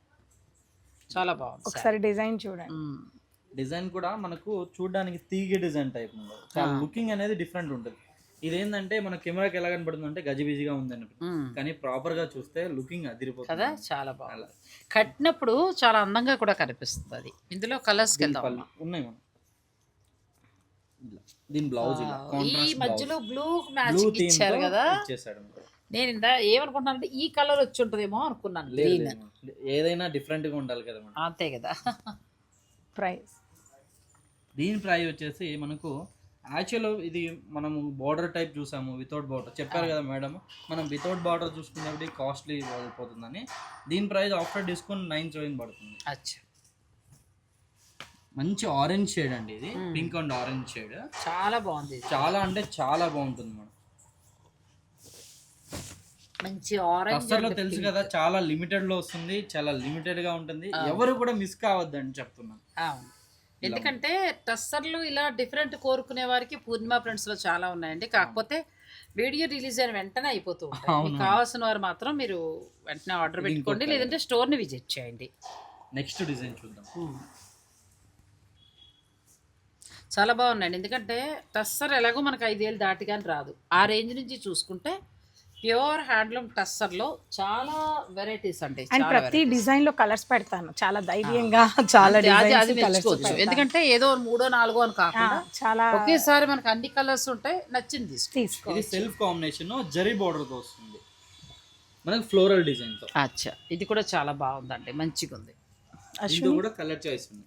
Speaker 1: చాలా బాగుంది.
Speaker 2: ఒకసారి డిజైన్ చూడండి.
Speaker 1: మ్మ్.
Speaker 3: డిజైన్ కూడా మనకు చూడడానికి తీగ డిజైన్ టైప్ ఉంటుంది. చాలా లుకింగ్ అనేది డిఫరెంట్ ఉంటుంది. ఇదేంటంటే మన కెమెరాకి ఎలా కనబడుతుంది అంటే గజిబిజిగా ఉందని,
Speaker 1: మ్మ్.
Speaker 3: కానీ ప్రాపర్ గా చూస్తే లుకింగ్ అదిరిపోతుంది
Speaker 1: కదా, చాలా బాగుంది. కట్టినప్పుడు చాలా అందంగా కూడా కనిపిస్తుంది. అది ఇందులో కలర్స్
Speaker 3: దీని
Speaker 1: వెళ్దాం.
Speaker 3: పళ్ళు ఉన్నాయి మనం. ఇలా. దీని బ్లౌజ్ ఇలా
Speaker 1: ఈ
Speaker 3: కాంట్రాస్ట్
Speaker 1: మధ్యలో బ్లూ
Speaker 3: బ్లూ
Speaker 1: మ్యాచింగ్
Speaker 3: థీమ్
Speaker 1: ఇచ్చారు కదా.
Speaker 3: ఇచ్చేసాడు.
Speaker 1: నేను ఇందా ఏమనుకుంటున్నానంటే ఈ కలర్ వచ్చి ఉంటుందేమో అనుకున్నాను.
Speaker 3: లేదు,
Speaker 1: గ్రీన్.
Speaker 3: లేదు. ఏదైనా డిఫరెంట్ గా ఉండాలి కదా మనం.
Speaker 1: అంతే కదా.
Speaker 2: ప్రైస్
Speaker 3: దీని ప్రైస్ వచ్చేసి మనకు యాక్చువల్ ఇది మనము బార్డర్ టైప్ చూసాము, వితౌట్ బార్డర్ చెప్పారు కదా మేడం. మనం వితౌట్ బార్డర్ చూసుకున్నప్పుడు కాస్ట్లీ అయిపోతుందని దీని price after discount nine thousand పడుతుంది.
Speaker 1: అచ్చా,
Speaker 3: మంచి ఆరెంజ్ షేడ్ అండి ఇది, పింక్ అండ్ ఆరెంజ్ షేడ్.
Speaker 1: చాలా బాగుంది ఇది.
Speaker 3: చాలా అంటే చాలా బాగుంటుంది మేడం.
Speaker 1: మంచి ఆరెంజ్
Speaker 3: టస్సర్ లో తెలుసు కదా, చాలా లిమిటెడ్ లో వస్తుంది, చాలా లిమిటెడ్ గా ఉంటుంది, ఎవరు కూడా మిస్ కావద్దని చెప్తున్నాను.
Speaker 1: అవును, ఎందుకంటే టస్సర్లు ఇలా డిఫరెంట్ కోరుకునే వారికి పూర్ణిమ ప్రింట్స్ లో చాలా ఉన్నాయండి. కాకపోతే వీడియో రిలీజ్ అయిన వెంటనే అయిపోతూ ఉంటాయి. మీకు కావాల్సిన వారు మాత్రం మీరు వెంటనే ఆర్డర్ పెట్టుకోండి, లేదంటే స్టోర్ ని విజిట్ చేయండి.
Speaker 3: నెక్స్ట్ డిజైన్ చూద్దాం.
Speaker 1: చాలా బాగున్నాయండి, ఎందుకంటే టస్సర్ ఎలాగో మనకు ఐదేళ్ళు దాటి కానీ రాదు. ఆ రేంజ్ నుంచి చూసుకుంటే ప్యూర్ హ్యాండ్లూమ్ టస్సర్ లో చాలా వెరైటీస్ అండి.
Speaker 2: అండ్ ప్రతి డిజైన్ లో కలర్స్ పెడతాను చాలా ధైర్యంగా, చాలా
Speaker 1: అది మెచ్చుకోవచ్చు. ఎందుకంటే ఏదో మూడో నాలుగో అని కాకుండా
Speaker 2: చాలా
Speaker 1: ఒకేసారి మనకు అన్ని కలర్స్ ఉంటాయి, నచ్చింది
Speaker 2: తీసుకో.
Speaker 3: ఇది సెల్ఫ్ కాంబినేషన్ జరీ బోర్డర్ తో వస్తుంది, మనకి ఫ్లోరల్ డిజైన్ తో.
Speaker 1: అచ్చా, ఇది కూడా చాలా బాగుందండి, మంచిగా ఉంది.
Speaker 3: ఇది కూడా కలర్ చాయిస్ ఉంది.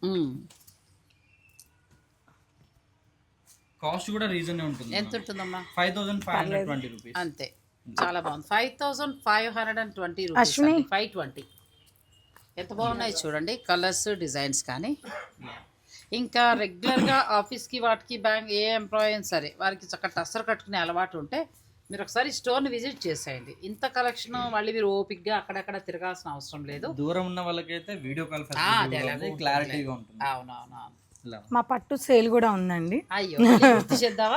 Speaker 3: కాస్ట్ కూడా రీజన్ ఉంటుంది.
Speaker 1: ఎంత ఉంటుందమ్మా?
Speaker 3: Five thousand five hundred twenty rupees
Speaker 1: అంతే. చాలా బాగుంది, five thousand five hundred and twenty rupees, five twenty. ఎంత బాగున్నాయి చూడండి కలర్స్, డిజైన్స్. కానీ ఇంకా రెగ్యులర్గా ఆఫీస్కి వాటికి బ్యాంక్ ఏ ఎంప్లాయీ అయినా సరే వారికి చక్కగా టస్సర్ కట్టుకునే అలవాటు ఉంటే మీరు ఒకసారి స్టోర్ని విజిట్ చేసేయండి. ఇంత కలెక్షన్ మళ్ళీ మీరు ఓపిక్గా అక్కడక్కడ తిరగాల్సిన అవసరం లేదు.
Speaker 3: దూరం ఉన్న వాళ్ళకైతే వీడియో కాల్ క్లారిటీగా ఉంటుంది.
Speaker 1: అవునవును.
Speaker 2: మా పట్టు సేల్ కూడా ఉందండి.
Speaker 1: అయ్యో, గుర్తు చేద్దామా?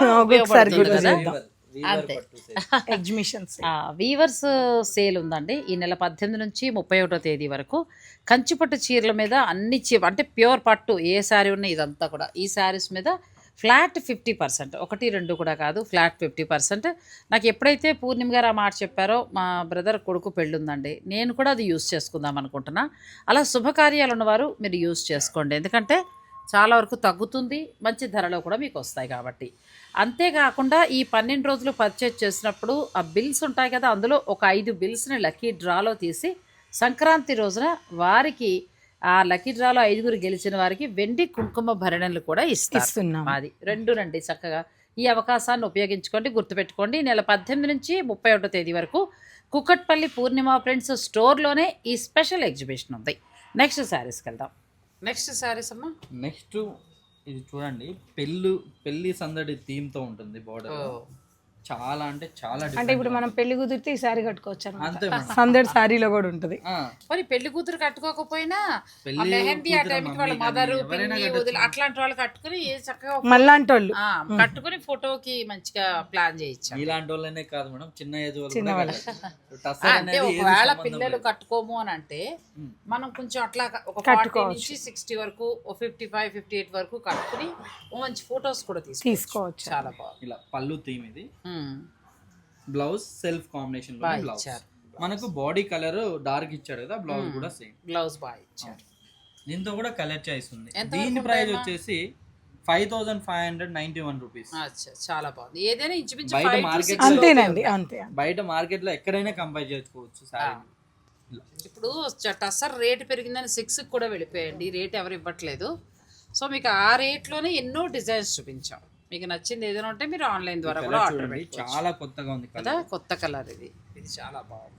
Speaker 1: అంతే,
Speaker 2: ఎగ్జిబిషన్
Speaker 1: వీవర్స్ సేల్ ఉందండి ఈ నెల పద్దెనిమిది నుంచి ముప్పై ఒకటో తేదీ వరకు. కంచిపట్టు చీరల మీద అన్ని చీ అంటే ప్యూర్ పట్టు ఏ శారీ ఉన్నాయి ఇదంతా కూడా ఈ శారీస్ మీద ఫ్లాట్ ఫిఫ్టీ పర్సెంట్, ఒకటి రెండు కూడా కాదు, ఫ్లాట్ ఫిఫ్టీ పర్సెంట్. నాకు ఎప్పుడైతే పూర్ణిమ గారు ఆ మాట చెప్పారో మా బ్రదర్ కొడుకు పెళ్ళి ఉందండి, నేను కూడా అది యూస్ చేసుకుందాం అనుకుంటున్నా. అలా శుభకార్యాలు ఉన్నవారు మీరు యూస్ చేసుకోండి, ఎందుకంటే చాలా వరకు తగ్గుతుంది, మంచి ధరలో కూడా మీకు వస్తాయి కాబట్టి. అంతేకాకుండా ఈ పన్నెండు రోజులు పర్చేజ్ చేసినప్పుడు ఆ బిల్స్ ఉంటాయి కదా, అందులో ఒక ఐదు బిల్స్ని లక్కీ డ్రాలో తీసి సంక్రాంతి రోజున వారికి ఆ లక్కీ డ్రాలో ఐదుగురు గెలిచిన వారికి వెండి కుంకుమ భరణలు కూడా ఇస్తున్నాం. అది రెండు రండి, చక్కగా ఈ అవకాశాన్ని ఉపయోగించుకోండి. గుర్తుపెట్టుకోండి, నెల పద్దెనిమిది నుంచి ముప్పై ఒకటో తేదీ వరకు కుకట్పల్లి పూర్ణిమ ఫ్రెండ్స్ స్టోర్లోనే ఈ స్పెషల్ ఎగ్జిబిషన్ ఉంది. నెక్స్ట్ శారీస్కి వెళ్దాం. నెక్స్ట్ శారీస్ అమ్మా,
Speaker 3: నెక్స్ట్ ఇది చూడండి, పెళ్ళి పెళ్లి సందడి థీమ్ తో ఉంటుంది బోర్డర్. చాలా అంటే చాలా
Speaker 2: అంటే ఇప్పుడు మనం పెళ్లి కుదిరితే ఈ సారీ కట్టుకోవచ్చు
Speaker 3: అంతే.
Speaker 2: సందడి సారీలో కూడా ఉంటది.
Speaker 1: మరి పెళ్లి కూతురు కట్టుకోకపోయినా మెహందీ ఆ టైంకి వాళ్ళ మదరు అట్లాంటి వాళ్ళు కట్టుకుని చక్కగా
Speaker 2: మళ్ళాంటి వాళ్ళు
Speaker 1: కట్టుకుని ఫోటోకి మంచిగా ప్లాన్ చేయొచ్చు.
Speaker 3: ఇలాంటి వాళ్ళనే కాదు మేడం, చిన్న ఏజ్
Speaker 1: అంటే ఒకవేళ పిల్లలు కట్టుకోము అని అంటే మనం కొంచెం అట్లా ఒక ఫార్టీ నుంచి సిక్స్టీ వరకు ఫిఫ్టీ ఫైవ్ ఫిఫ్టీ ఎయిట్ వరకు కట్టుకుని మంచి ఫొటోస్ కూడా తీసుకోవచ్చు. చాలా బాగుంది.
Speaker 3: ఇలా పళ్ళు థీమ్ ఇది. బ్లౌజ్ సెల్ఫ్ కాంబినేషన్ లో బ్లౌజ్ మనకు బాడీ కలర్ డార్క్ ఇచ్చాడు కదా, బ్లౌజ్ కూడా సేమ్
Speaker 1: బ్లౌజ్ బాగా ఇచ్చారు.
Speaker 3: దీంతో కూడా కలర్ చాయిస్ ఉంది. దీని ప్రైస్ వచ్చేసి five thousand five hundred ninety one rupees.
Speaker 1: చాలా బాగుంది. ఏదైనా ఇంచుమించు
Speaker 3: బయట మార్కెట్
Speaker 2: అంతేనండి, అంతే.
Speaker 3: బయట మార్కెట్ లో ఎక్కడైనా కంపేర్ చేసుకోవచ్చు సారీ.
Speaker 1: ఇప్పుడు టస్సర్ రేట్ పెరిగిందని సిక్స్ కూడా వెళ్ళిపోయండి, రేట్ ఎవరు ఇవ్వట్లేదు. సో మీకు ఆ రేట్లోనే ఎన్నో డిజైన్స్ చూపించాం. మీకు నచ్చింది ఏదైనా ఉంటే మీరు ఆన్లైన్ ద్వారా కూడా ఆర్డర్ పెట్టుకోవచ్చు.
Speaker 3: చాలా కొత్తగా ఉంది
Speaker 1: కదా, కొత్త కలర్ ఇది. ఇది చాలా బాగుంది.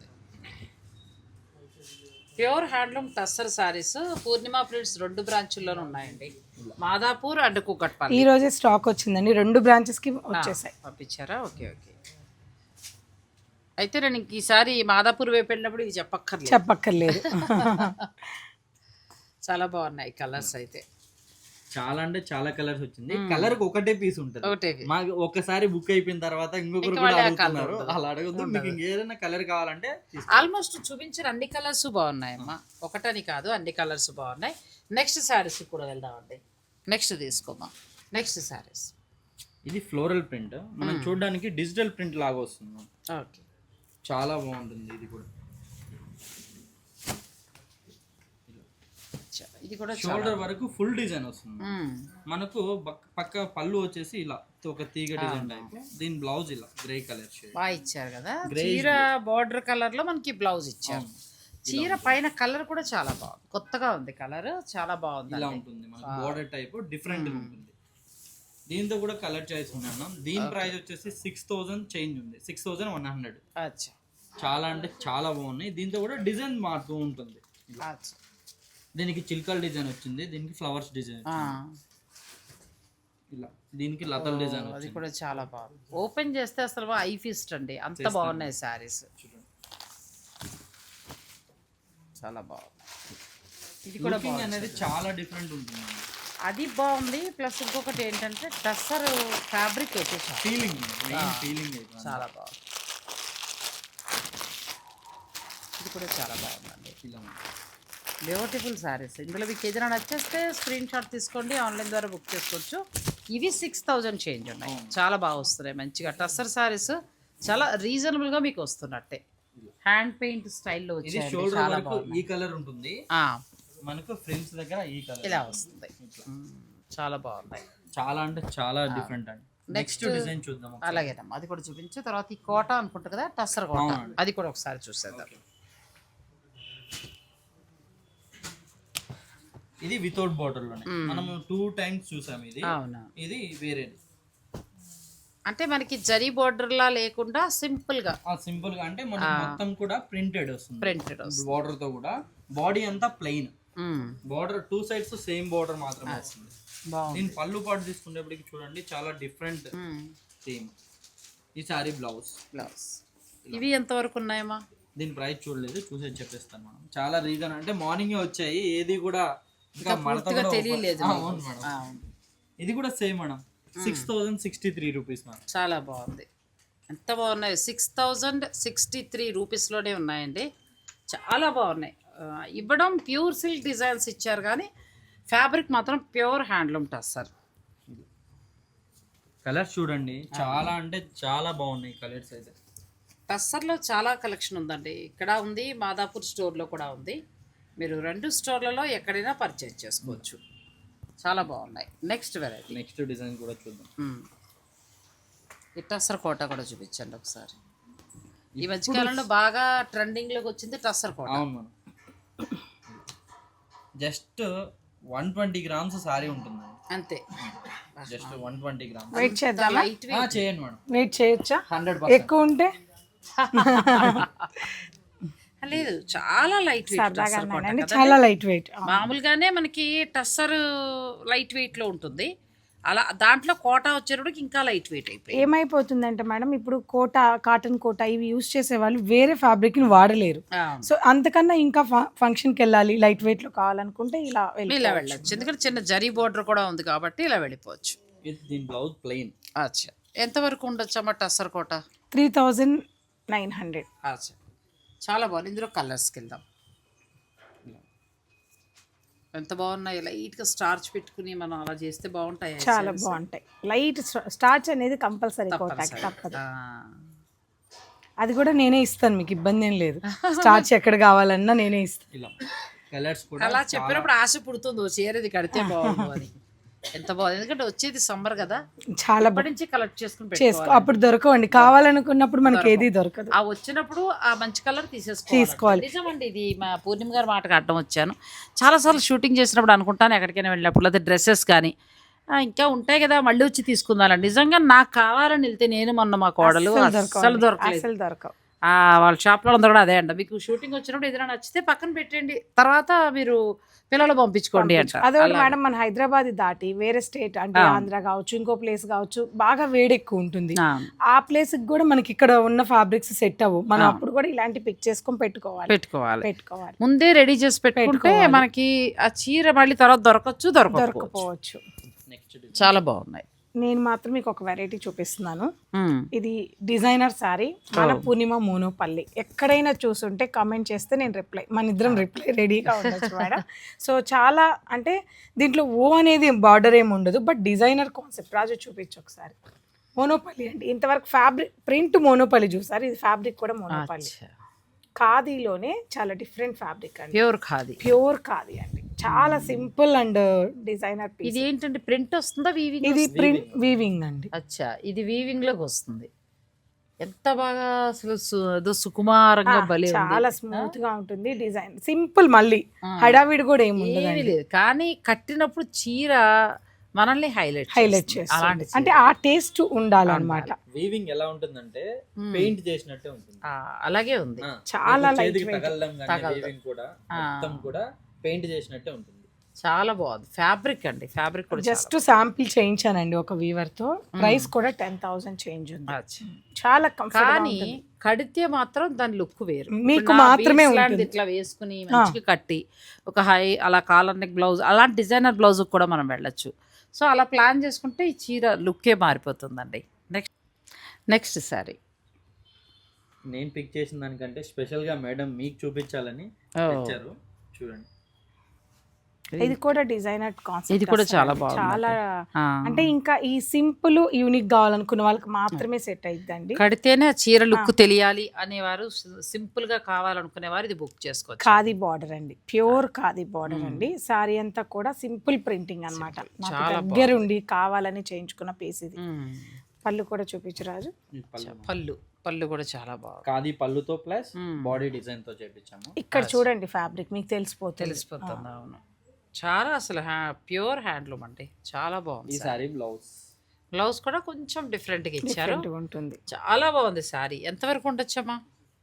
Speaker 1: Pure handloom tussar saris Purnima prints రెండు బ్రాంచుల్లోనూ ఉన్నాయండి, మాదాపూర్ అండ్ కుకట్పల్లి.
Speaker 2: ఈ రోజే స్టాక్ వచ్చిందండి, రెండు బ్రాంచెస్ కి వచ్చేసాయి.
Speaker 1: పంపించారా? Okay okay. అయితే నేను ఈసారి మాదాపూర్ వైపు వెళ్ళినప్పుడు ఇది చెప్పక్కర్లేదు
Speaker 2: చెప్పక్కర్లేదు
Speaker 3: చాలా
Speaker 1: బాగున్నాయి కలర్స్. అయితే
Speaker 3: చాలా అంటే చాలా కలర్స్ వచ్చింది. కలర్ ఒకటే పీస్ ఉంటుంది. మాకు ఒకసారి బుక్ అయిపోయిన తర్వాత ఇంకొకరు కూడా అడుగుతున్నారు, అలా అడగద్దు. మీకు ఇంకేదైనా కలర్ కావాలంటే
Speaker 1: ఆల్మోస్ట్ చూపించిన అన్ని కలర్స్ బాగున్నాయమ్మా, ఒకటని కాదు అన్ని కలర్స్ బాగున్నాయి. నెక్స్ట్ శారీస్ కూడా వెళ్దామండి. నెక్స్ట్ తీసుకోమా. నెక్స్ట్ శారీస్
Speaker 3: ఇది ఫ్లోరల్ ప్రింట్, మనం చూడడానికి డిజిటల్ ప్రింట్ లాగా వస్తుంది.
Speaker 1: ఓకే,
Speaker 3: చాలా బాగుంటుంది. ఇది కూడా
Speaker 1: ఇది కూడా
Speaker 3: షోల్డర్ వరకు ఫుల్ డిజైన్ వస్తుంది. మనకు పక్క పళ్ళు వచ్చేసి ఇలా ఒక తీగ డిజైన్ టైప్. దీని బ్లౌజ్ ఇలా గ్రే కలర్ షేడ్
Speaker 1: బాగా ఇచ్చారు కదా, చీర బార్డర్ కలర్ లో మనకి బ్లౌజ్ ఇచ్చారు. చీర పైన కలర్ కూడా చాలా బాగుంది, కొత్తగా ఉంది కలర్, చాలా బాగుంది.
Speaker 3: ఇలా ఉంటుంది మనకి బార్డర్ టైప్, డిఫరెంట్ ఉంటుంది. దీంతో కూడా కలర్ చాయిస్ ఉన్నాం. దీని ప్రైస్ వచ్చేసి సిక్స్ థౌసండ్ చేంజ్ ఉంది, సిక్స్ థౌసండ్ వన్ హండ్రెడ్. చాలా అంటే చాలా బాగున్నాయి. దీంతో కూడా డిజైన్ మారుతూ ఉంటుంది. దీనికి చిల్కల్ డిజైన్ వచ్చింది, దీనికి ఫ్లవర్స్ డిజైన్ ఇలా, దీనికి లతల డిజైన్.
Speaker 1: అది కూడా చాలా బాగుంది. ఓపెన్ చేస్తే అసలు ఐ ఫీస్ట్ అండి, అంత బాగున్నాయి శారీస్. చాలా బాగుంది. ఇది కూడా
Speaker 3: లుకింగ్ అనేది చాలా డిఫరెంట్ ఉంటుంది,
Speaker 1: అది బాగుంది. ప్లస్ ఇంకొకటి ఏంటంటే టస్సర్ ఫ్యాబ్రిక్ అయితే
Speaker 3: ఫీలింగ్ ఫీలింగ్
Speaker 1: చాలా బాగుంది. ఇది కూడా చాలా బాగుందండి. బ్యూటిఫుల్ శారీస్. ఇందులో మీకు ఏదైనా నచ్చేస్తే స్క్రీన్ షాట్ తీసుకోండి, ఆన్లైన్ ద్వారా బుక్ చేసుకోవచ్చు. ఇవి సిక్స్ థౌజండ్ చేంజ్ ఉన్నాయి, చాలా బాగా వస్తున్నాయి మంచిగా. టస్సర్ శారీస్ చాలా రీజనబుల్గా మీకు వస్తున్నట్టే, హ్యాండ్ పెయింట్ స్టైల్లో వచ్చాయి.
Speaker 3: ఈ కలర్ ఉంటుంది మనకు ఫ్రేమ్స్ దగ్గర, ఈ కలర్
Speaker 1: ఇలా వస్తుంది. చాలా బాగున్నాయి,
Speaker 3: చాలా అంటే చాలా డిఫరెంట్ అండి. నెక్స్ట్ డిజైన్ చూద్దాం.
Speaker 1: అలాగేనమ్మా, అది కూడా చూపించు. తర్వాత ఈ కోట అనుకుంటా కదా, టస్సర్ కోట, అది కూడా ఒకసారి చూసేద్దాం.
Speaker 3: ఇది వితౌట్ బార్డర్ లోనే మనం టూ టైమ్స్ చూసాం. ఇది
Speaker 1: అవునా,
Speaker 3: ఇది వేరే
Speaker 1: అంటే మనకి జరీ బోర్డర్ లా లేకుండా సింపుల్ గా
Speaker 3: సింపుల్ గా అంటే మనకి మొత్తం కూడా ప్రింటెడ్ వస్తుంది,
Speaker 1: ప్రింటెడ్
Speaker 3: బార్డర్ తో కూడా. బాడీ అంతా plain, border two sides same border మాత్రమే వస్తుంది. దీని పళ్ళు పాటు తీసుకునేప్పటికి చూడండి చాలా డిఫరెంట్ థీమ్. ఈ సారీ బ్లౌజ్
Speaker 1: బ్లౌజ్ ఇవి ఎంత వరకు ఉన్నాయమ్మా?
Speaker 3: దీని ప్రైస్ చూడలేదు, చూసేది చెప్పేస్తాను మనం. చాలా రీజన్ అంటే మార్నింగ్ వచ్చాయి, ఏది కూడా ఇంకా మడతగా
Speaker 1: తెలియలేదు.
Speaker 3: ఇది కూడా same madam, six thousand sixty three rupees madam.
Speaker 1: చాలా బాగుంది, ఎంత బాగున్నాయి. సిక్స్ థౌజండ్ సిక్స్టీ త్రీ రూపీస్లోనే ఉన్నాయండి, చాలా బాగున్నాయి. ఇవ్వడం ప్యూర్ సిల్క్ డిజైన్స్ ఇచ్చారు, కానీ ఫ్యాబ్రిక్ మాత్రం ప్యూర్ హ్యాండ్లూమ్ టస్సర్.
Speaker 3: కలర్స్ చూడండి చాలా అంటే చాలా బాగున్నాయి కలర్స్ అయితే.
Speaker 1: టస్సర్లో చాలా కలెక్షన్ ఉందండి, ఇక్కడ ఉంది, మాదాపూర్ స్టోర్లో కూడా ఉంది. మీరు రెండు స్టోర్లలో ఎక్కడైనా పర్చేజ్ చేసుకోవచ్చు, చాలా బాగున్నాయి. నెక్స్ట్ వెరైటీ,
Speaker 3: నెక్స్ట్ డిజైన్ కూడా చూద్దాం.
Speaker 1: ఈ టస్సర్ కోట కూడా చూపించండి ఒకసారి. ఈ మధ్యకాలంలో బాగా ట్రెండింగ్లోకి వచ్చింది టస్సర్ కోట.
Speaker 3: అవును madam, just one twenty grams sari ఉంటుంది
Speaker 1: అంతే,
Speaker 3: just one twenty grams.
Speaker 2: Wait చేద్దామా?
Speaker 3: చేయండి మేడం,
Speaker 2: వెయిట్ చేయొచ్చా?
Speaker 3: హండ్రెడ్
Speaker 2: ఎక్కువ ఉంటే
Speaker 1: లేదు, చాలా లైట్ వెయిట్,
Speaker 2: చాలా లైట్ వెయిట్.
Speaker 1: మామూలుగానే మనకి టస్సర్ లైట్ వెయిట్ లో ఉంటుంది, అలా దాంట్లో కోట వచ్చేటప్పటికి ఇంకా లైట్ వెయిట్ అయిపోయింది.
Speaker 2: ఏమైపోతుందంటే మేడం, ఇప్పుడు కోట, కాటన్ కోట ఇవి యూజ్ చేసే వాళ్ళు వేరే ఫ్యాబ్రిక్ ని వాడలేరు. సో అంతకన్నా ఇంకా ఫంక్షన్ కి వెళ్ళాలి, లైట్ వెయిట్ లో కావాలనుకుంటే ఇలా
Speaker 1: ఇలా వెళ్ళచ్చు, ఎందుకంటే చిన్న జరీ బోర్డర్ కూడా ఉంది కాబట్టి ఇలా వెళ్ళిపోవచ్చు.
Speaker 3: దీని బ్లౌజ్ ప్లెయిన్.
Speaker 1: అచ్చా, ఎంత వరకు ఉండొచ్చు అమ్మ tussar Kota?
Speaker 2: Three thousand nine hundred.
Speaker 1: అచ్చా, చాలా బాగుంది. ఇందులో కలర్స్కి వెళ్దాం. ఎంత బాగున్నాయి, లైట్గా స్టార్చ్ పెట్టుకుని మనం అలా చేస్తే బాగుంటాయి,
Speaker 2: చాలా బాగుంటాయి. లైట్ స్టార్చ్ అనేది కంపల్సరీ కోటాకి తప్పదు. అది కూడా నేనే ఇస్తాను, మీకు ఇబ్బంది ఏం లేదు. స్టార్చ్ ఎక్కడ కావాలన్నా నేనే ఇస్తాను.
Speaker 3: కలర్స్ కూడా
Speaker 1: అలా చెప్పినప్పుడు ఆశ పుడుతుంది, చీరది కడితే బాగుంది అని. ఎంత బాగుంది, ఎందుకంటే వచ్చేది సమ్మర్ కదా,
Speaker 2: చాలా
Speaker 1: ఇప్పటి నుంచి కలెక్ట్ చేసుకుని
Speaker 2: చేసుకో. అప్పుడు దొరకవండి, కావాలనుకున్నప్పుడు మనకి ఏది దొరకదు.
Speaker 1: ఆ వచ్చినప్పుడు ఆ మంచి కలర్ తీసేసుకోవాలి. నిజమండి, ఇది మా పూర్ణిమ గారు మాటకు అడ్డం వచ్చాను. చాలాసార్లు షూటింగ్ చేసినప్పుడు అనుకుంటాను, ఎక్కడికైనా వెళ్ళినప్పుడు లేదా డ్రెస్సెస్ కానీ ఇంకా ఉంటాయి కదా, మళ్ళీ వచ్చి తీసుకుందాం. నిజంగా నాకు కావాలని వెళ్తే నేను మొన్న మా కోడలు అసలు దొరకలేదు,
Speaker 2: దొరకవు.
Speaker 1: వాళ్ళ షాప్లో అందరూ కూడా అదే అంట, మీకు షూటింగ్ వచ్చినప్పుడు ఏదైనా నచ్చితే పక్కన పెట్టండి, తర్వాత మీరు పిల్లలు పంపించుకోండి అంట.
Speaker 2: అదొకటి మేడం, మన హైదరాబాద్ దాటి వేరే స్టేట్ అంటే ఆంధ్ర కావచ్చు, ఇంకో ప్లేస్ కావచ్చు, బాగా వేడి ఎక్కువ ఉంటుంది. ఆ ప్లేస్ కి కూడా మనకి ఇక్కడ ఉన్న ఫ్యాబ్రిక్స్ సెట్ అవ్వు, మనం అప్పుడు కూడా ఇలాంటి పిక్ చేసుకొని పెట్టుకోవాలి
Speaker 1: పెట్టుకోవాలి
Speaker 2: పెట్టుకోవాలి
Speaker 1: ముందే రెడీ చేసి పెట్టుకుంటే మనకి ఆ చీర మళ్ళీ తర్వాత దొరకచ్చు
Speaker 2: దొరకపోవచ్చు.
Speaker 1: చాలా బాగున్నాయి.
Speaker 2: నేను మాత్రం మీకు ఒక వెరైటీ చూపిస్తున్నాను. ఇది డిజైనర్ సారీ, మన పూర్ణిమ మోనోపల్లి. ఎక్కడైనా చూసుంటే కామెంట్ చేస్తే నేను రిప్లై, మన ఇద్దరం రిప్లై రెడీగా ఉండొచ్చు మేడం. సో చాలా అంటే దీంట్లో ఓ అనేది బార్డర్ ఏమి ఉండదు, బట్ డిజైనర్ కాన్సెప్ట్. రాజు చూపించు ఒకసారి. మోనోపల్లి అంటే ఇంతవరకు ఫ్యాబ్రిక్ ప్రింట్ మోనోపల్లి చూసారు, ఇది ఫ్యాబ్రిక్ కూడా మోనోపల్లి. ఖాదీలోనే చాలా డిఫరెంట్ ఫ్యాబ్రిక్ అండి,
Speaker 1: ప్యూర్ ఖాదీ.
Speaker 2: ప్యూర్ ఖాదీ అండి, చాలా సింపుల్ అండ్ డిజైనర్ పీస్.
Speaker 1: ఇది ఏంటంటే ప్రింట్ వస్తుందా వీవింగ్?
Speaker 2: ఇది ప్రింట్ వీవింగ్ అండి.
Speaker 1: అచ్చా, ఇది వీవింగ్ లోకి వస్తుంది. ఎంత బాగా అసలు సుకుమారంగా బలి,
Speaker 2: చాలా స్మూత్ గా ఉంటుంది డిజైన్, సింపుల్. మళ్ళీ హడావిడి కూడా ఏమి
Speaker 1: లేదు, కానీ కట్టినప్పుడు చీర మనల్ని హైలైట్
Speaker 2: హైలైట్ చేస్తుంది. అంటే ఆ టేస్ట్ ఉండాలన్నమాట.
Speaker 3: వీవింగ్ ఎలా ఉంటుందంటే పెయింట్ చేసినట్టే ఉంటుంది,
Speaker 1: అలాగే ఉంది.
Speaker 2: చాలా లైట్
Speaker 3: వీవింగ్ కూడా మొత్తం కూడా పెయింట్ చేసినట్టే ఉంటుంది.
Speaker 1: చాలా బాగుంది ఫ్యాబ్రిక్ అండి, ఫ్యాబ్రిక్ కూడా
Speaker 2: జస్ట్ శాంపిల్ చేయించానండి ఒక వీవర్ తో, ప్రైస్ కూడా టెన్ థౌసండ్ చేంజ్ ఉంది.
Speaker 1: అచ్చా.
Speaker 2: చాలా
Speaker 1: కానీ
Speaker 2: కంఫర్టబుల్.
Speaker 1: కడితే మాత్రం దాని లుక్ వేరు.
Speaker 2: మీకు
Speaker 1: ఇప్పుడు నా
Speaker 2: మాత్రమే
Speaker 1: beads లాంటిది
Speaker 2: ఉంటుంది.
Speaker 1: ఇట్లా వేసుకుని మంచిగా కట్టి ఒక హై అలా కాలర్ నెక్ బ్లౌజ్ అలాంటి డిజైనర్ బ్లౌజ్ కూడా మనం వెళ్ళొచ్చు. సో అలా ప్లాన్ చేసుకుంటే ఈ చీర లుక్కే మారిపోతుందండి. నెక్స్ట్ నెక్స్ట్ సారీ
Speaker 3: నేను పిక్ చేసిన దానికంటే స్పెషల్ గా మేడం మీకు చూపించాలని
Speaker 1: Oh.
Speaker 3: తెచ్చారు. చూడండి,
Speaker 2: ఇది కూడా డిజైనర్ కాన్సెప్ట్.
Speaker 1: ఇది కూడా చాలా బాగుంది.
Speaker 2: చాలా
Speaker 1: ఆ.
Speaker 2: అంటే ఇంకా ఈ సింపుల్ యూనిక్ కావాలనుకున్న వాళ్ళకి మాత్రమే సెట్ అయిద్దండి.
Speaker 1: కడితేనే ఆ చీర లుక్ తెలియాలి అనేవారు, సింపుల్ గా కావాలనుకునేవారు ఇది బుక్ చేసుకోవచ్చు.
Speaker 2: ఖాదీ బార్డర్ అండి, ప్యూర్ ఖాదీ బార్డర్ అండి. సారీ అంతా కూడా సింపుల్ ప్రింటింగ్ అన్నమాట. నాకు
Speaker 1: చాలా
Speaker 2: దగ్గరుండి కావాలని చేయించుకున్న పీస్ ఇది.
Speaker 1: మ్మ్.
Speaker 2: పళ్ళు కూడా చూపించు రాజు.
Speaker 3: ఈ పళ్ళు
Speaker 1: పళ్ళు పళ్ళు కూడా చాలా బాగుంది,
Speaker 3: ఖాదీ పళ్ళుతో ప్లస్
Speaker 1: మ్మ్.
Speaker 3: బాడీ డిజైన్ తో చేపించాము.
Speaker 2: ఇక్కడ చూడండి ఫ్యాబ్రిక్ మీకు తెలిసిపోతుంది.
Speaker 1: తెలిసిపోతుంది. అవును, చాలా అసలు ప్యూర్ హ్యాండ్లూమ్ అండి, చాలా
Speaker 3: ఈ
Speaker 1: బాగుంది.
Speaker 3: సారీ బ్లౌజ్
Speaker 1: బ్లౌజ్ కూడా కొంచెం డిఫరెంట్ గా ఇచ్చారు,
Speaker 2: Different గా ఉంటుంది.
Speaker 1: చాలా బాగుంది సారీ. ఎంతవరకు ఉండొచ్చమ్మా?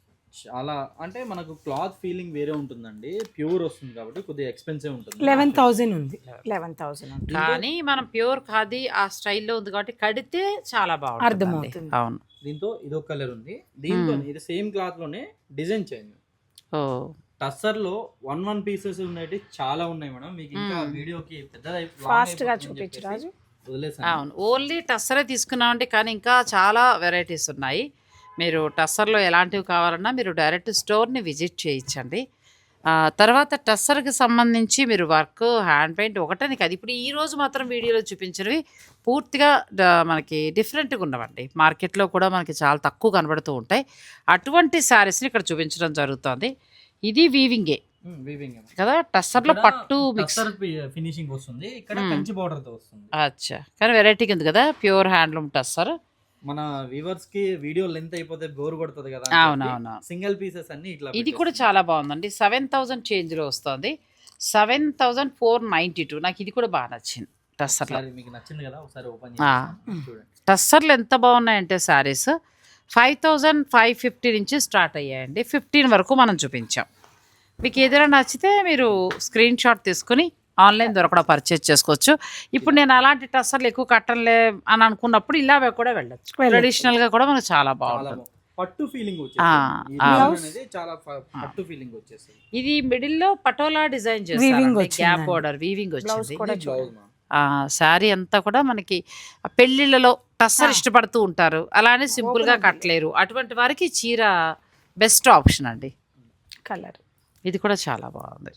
Speaker 3: చాలా అంటే మనకు క్లాత్ ఫీలింగ్ వేరే ఉంటుందండి, ప్యూర్ వస్తుంది కాబట్టి కొద్దిగా ఎక్స్పెన్సివ్ ఉంటుంది.
Speaker 2: లెవెన్ థౌజండ్ ఉంది. లెవెన్ థౌజండ్ ఉంటుంది.
Speaker 1: కానీ మనం ప్యూర్ ఖాదీ ఆ స్టైల్లో ఉంది కాబట్టి కడితే చాలా బాగుంటుంది.
Speaker 2: అర్థమవుతుంది.
Speaker 1: అవును.
Speaker 3: దీంతో ఇదొక కలర్ ఉంది, దీంతో ఇది సేమ్ క్లాత్ లోనే డిజైన్ చేంజ్.
Speaker 1: ఓ
Speaker 3: టస్సర్ లో వన్ వన్ పీసెస్ ఉన్నాయి, చాలా ఉన్నాయి మేడం. మీకు ఇంకా వీడియోకి పెద్దది
Speaker 2: ఫాస్ట్ గా చూపించు రాజు.
Speaker 3: వదిలేసాను.
Speaker 1: అవును, ఓన్లీ టస్సరే తీసుకున్నామండి, కానీ ఇంకా చాలా వెరైటీస్ ఉన్నాయి. మీరు టస్సర్లో ఎలాంటివి కావాలన్నా మీరు డైరెక్ట్ స్టోర్ని విజిట్ చేయించండి. ఆ, తర్వాత టస్సర్కి సంబంధించి మీరు వర్క్ హ్యాండ్ పెయింట్ ఒకటే కాదు, ఇప్పుడు ఈ రోజు మాత్రం వీడియోలో చూపించినవి పూర్తిగా డ- మనకి డిఫరెంట్గా ఉన్నవండి. మార్కెట్లో కూడా మనకి చాలా తక్కువ కనబడుతూ ఉంటాయి. అటువంటి శారీస్ని ఇక్కడ చూపించడం జరుగుతుంది. ఇది వీవింగే
Speaker 3: వీవింగ్
Speaker 1: కదా, టస్సర్లో పట్టు మిక్స్.
Speaker 3: ఫినిషింగ్ వస్తుంది, ఇక్కడ కంచి బార్డర్ తో వస్తుంది.
Speaker 1: అచ్చా, కానీ వెరైటీగా ఉంది కదా, ప్యూర్ హ్యాండ్లూమ్ టస్సర్.
Speaker 3: మన వ్యూవర్స్ కి వీడియో లెంత్ అయిపోతే బోర్ కొడుతుంది కదా,
Speaker 1: అవునవును.
Speaker 3: సింగిల్ పీసెస్ అన్ని ఇట్లా
Speaker 1: ఇది కూడా చాలా బాగుందండి, సెవెన్ థౌజండ్ చేంజ్లో వస్తుంది, seven thousand four ninety two. నాకు ఇది కూడా బాగా నచ్చింది టస్సర్లో.
Speaker 3: ఒకసారి మీకు నచ్చింది కదా, ఒకసారి ఓపెన్
Speaker 1: ఆ.
Speaker 3: చేసి చూడండి.
Speaker 1: టస్సర్లు ఎంత బాగున్నాయంటే saris five thousand five fifty నుంచి స్టార్ట్ అయ్యాయండి, ఫిఫ్టీన్ వరకు మనం చూపించాం. మీకు ఏదైనా నచ్చితే మీరు స్క్రీన్ షాట్ తీసుకుని ఆన్లైన్ ద్వారా కూడా పర్చేజ్ చేసుకోవచ్చు. ఇప్పుడు నేను అలాంటి టస్సర్లు ఎక్కువ కట్టలే అని అనుకున్నప్పుడు ఇలా కూడా వెళ్ళచ్చు. ట్రెడిషనల్గా కూడా మనకు చాలా
Speaker 3: చాలా
Speaker 1: బాగుంటుంది.
Speaker 3: బాగుంది. పట్టు ఫీలింగ్
Speaker 1: ఆ,
Speaker 3: వచ్చేస్తుంది. ఈ
Speaker 1: ఆ.
Speaker 3: బ్లౌజ్ అనేది చాలా ఫ- పట్టు ఫీలింగ్ వచ్చేస్తుంది.
Speaker 1: ఇది మిడిల్లో పటోలా డిజైన్
Speaker 2: Weaving
Speaker 1: చేస్తారు,
Speaker 2: వచ్చిందండి.
Speaker 1: గ్యాప్ బోర్డర్ వీవింగ్
Speaker 2: బ్లౌజ్
Speaker 1: వచ్చింది.
Speaker 2: కూడా
Speaker 3: బ్లౌజ్
Speaker 2: చూడండి.
Speaker 3: మా
Speaker 1: శారీ అంతా కూడా మనకి ఆ పెళ్ళిళ్ళలో టస్సర్ ఇష్టపడుతూ ఉంటారు, అలానే సింపుల్గా కట్టలేరు, అటువంటి వారికి ఈ చీర బెస్ట్ ఆప్షన్ అండి.
Speaker 2: కలర్
Speaker 1: ఇది కూడా చాలా బాగుంది.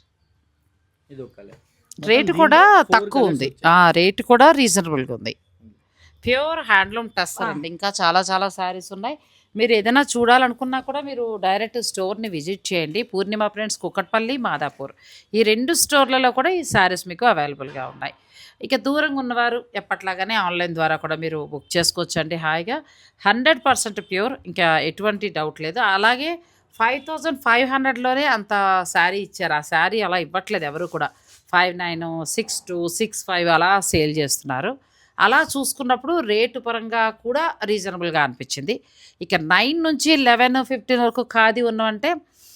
Speaker 3: ఇది ఒక కలర్.
Speaker 1: రేటు కూడా తక్కువ ఉంది, ఆ రేటు కూడా రీజనబుల్గా ఉంది. ప్యూర్ హ్యాండ్లూమ్ టస్సర్ అండి. ఇంకా చాలా చాలా శారీస్ ఉన్నాయి. మీరు ఏదైనా చూడాలనుకున్నా కూడా మీరు డైరెక్ట్ స్టోర్ని విజిట్ చేయండి. పూర్ణిమ ఫ్రెండ్స్ కుకట్పల్లి, మాదాపూర్ ఈ రెండు స్టోర్లలో కూడా ఈ శారీస్ మీకు అవైలబుల్గా ఉన్నాయి. ఇక దూరంగా ఉన్నవారు ఎప్పట్లాగానే ఆన్లైన్ ద్వారా కూడా మీరు బుక్ చేసుకోవచ్చండి హాయిగా. హండ్రెడ్ పర్సెంట్ ప్యూర్, ఇంకా ఎటువంటి డౌట్ లేదు. అలాగే ఫైవ్ థౌజండ్ ఫైవ్ హండ్రెడ్లోనే అంత శారీ ఇచ్చారు, ఆ శారీ అలా ఇవ్వట్లేదు ఎవరు కూడా. Five nine six two six five అలా సేల్ చేస్తున్నారు. అలా చూసుకున్నప్పుడు రేటు పరంగా కూడా రీజనబుల్గా అనిపించింది. ఇక నైన్ నుంచి లెవెన్ ఫిఫ్టీన్ వరకు ఖాదీ ఉన్నవంటే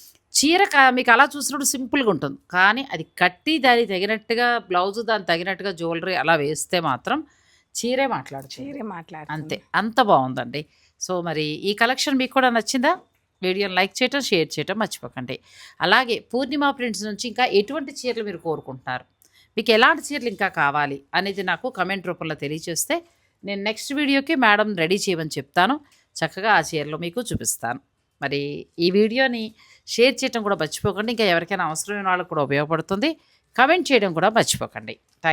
Speaker 1: చీర కా మీకు అలా చూసినప్పుడు సింపుల్గా ఉంటుంది, కానీ అది కట్టి దానికి తగినట్టుగా బ్లౌజ్ దానికి తగినట్టుగా జ్యువెలరీ అలా వేస్తే మాత్రం చీరే మాట్లాడుతుంది.
Speaker 2: చీరే మాట్లాడు.
Speaker 1: అంతే, అంత బాగుందండి. సో మరి ఈ కలెక్షన్ మీకు కూడా నచ్చిందా? వీడియోని లైక్ చేయటం, షేర్ చేయటం మర్చిపోకండి. అలాగే పూర్ణిమ ప్రింట్స్ నుంచి ఇంకా ఎటువంటి చీరలు మీరు కోరుకుంటున్నారు, మీకు ఎలాంటి చీరలు ఇంకా కావాలి అనేది నాకు కమెంట్ రూపంలో తెలియజేస్తే నేను నెక్స్ట్ వీడియోకి మేడం రెడీ చేయమని చెప్తాను. చక్కగా ఆ చీరలు మీకు చూపిస్తాను. మరి ఈ వీడియోని షేర్ చేయడం కూడా మర్చిపోకండి. ఇంకా ఎవరికైనా అవసరమైన వాళ్ళకు కూడా ఉపయోగపడుతుంది. కమెంట్ చేయడం కూడా మర్చిపోకండి. థ్యాంక్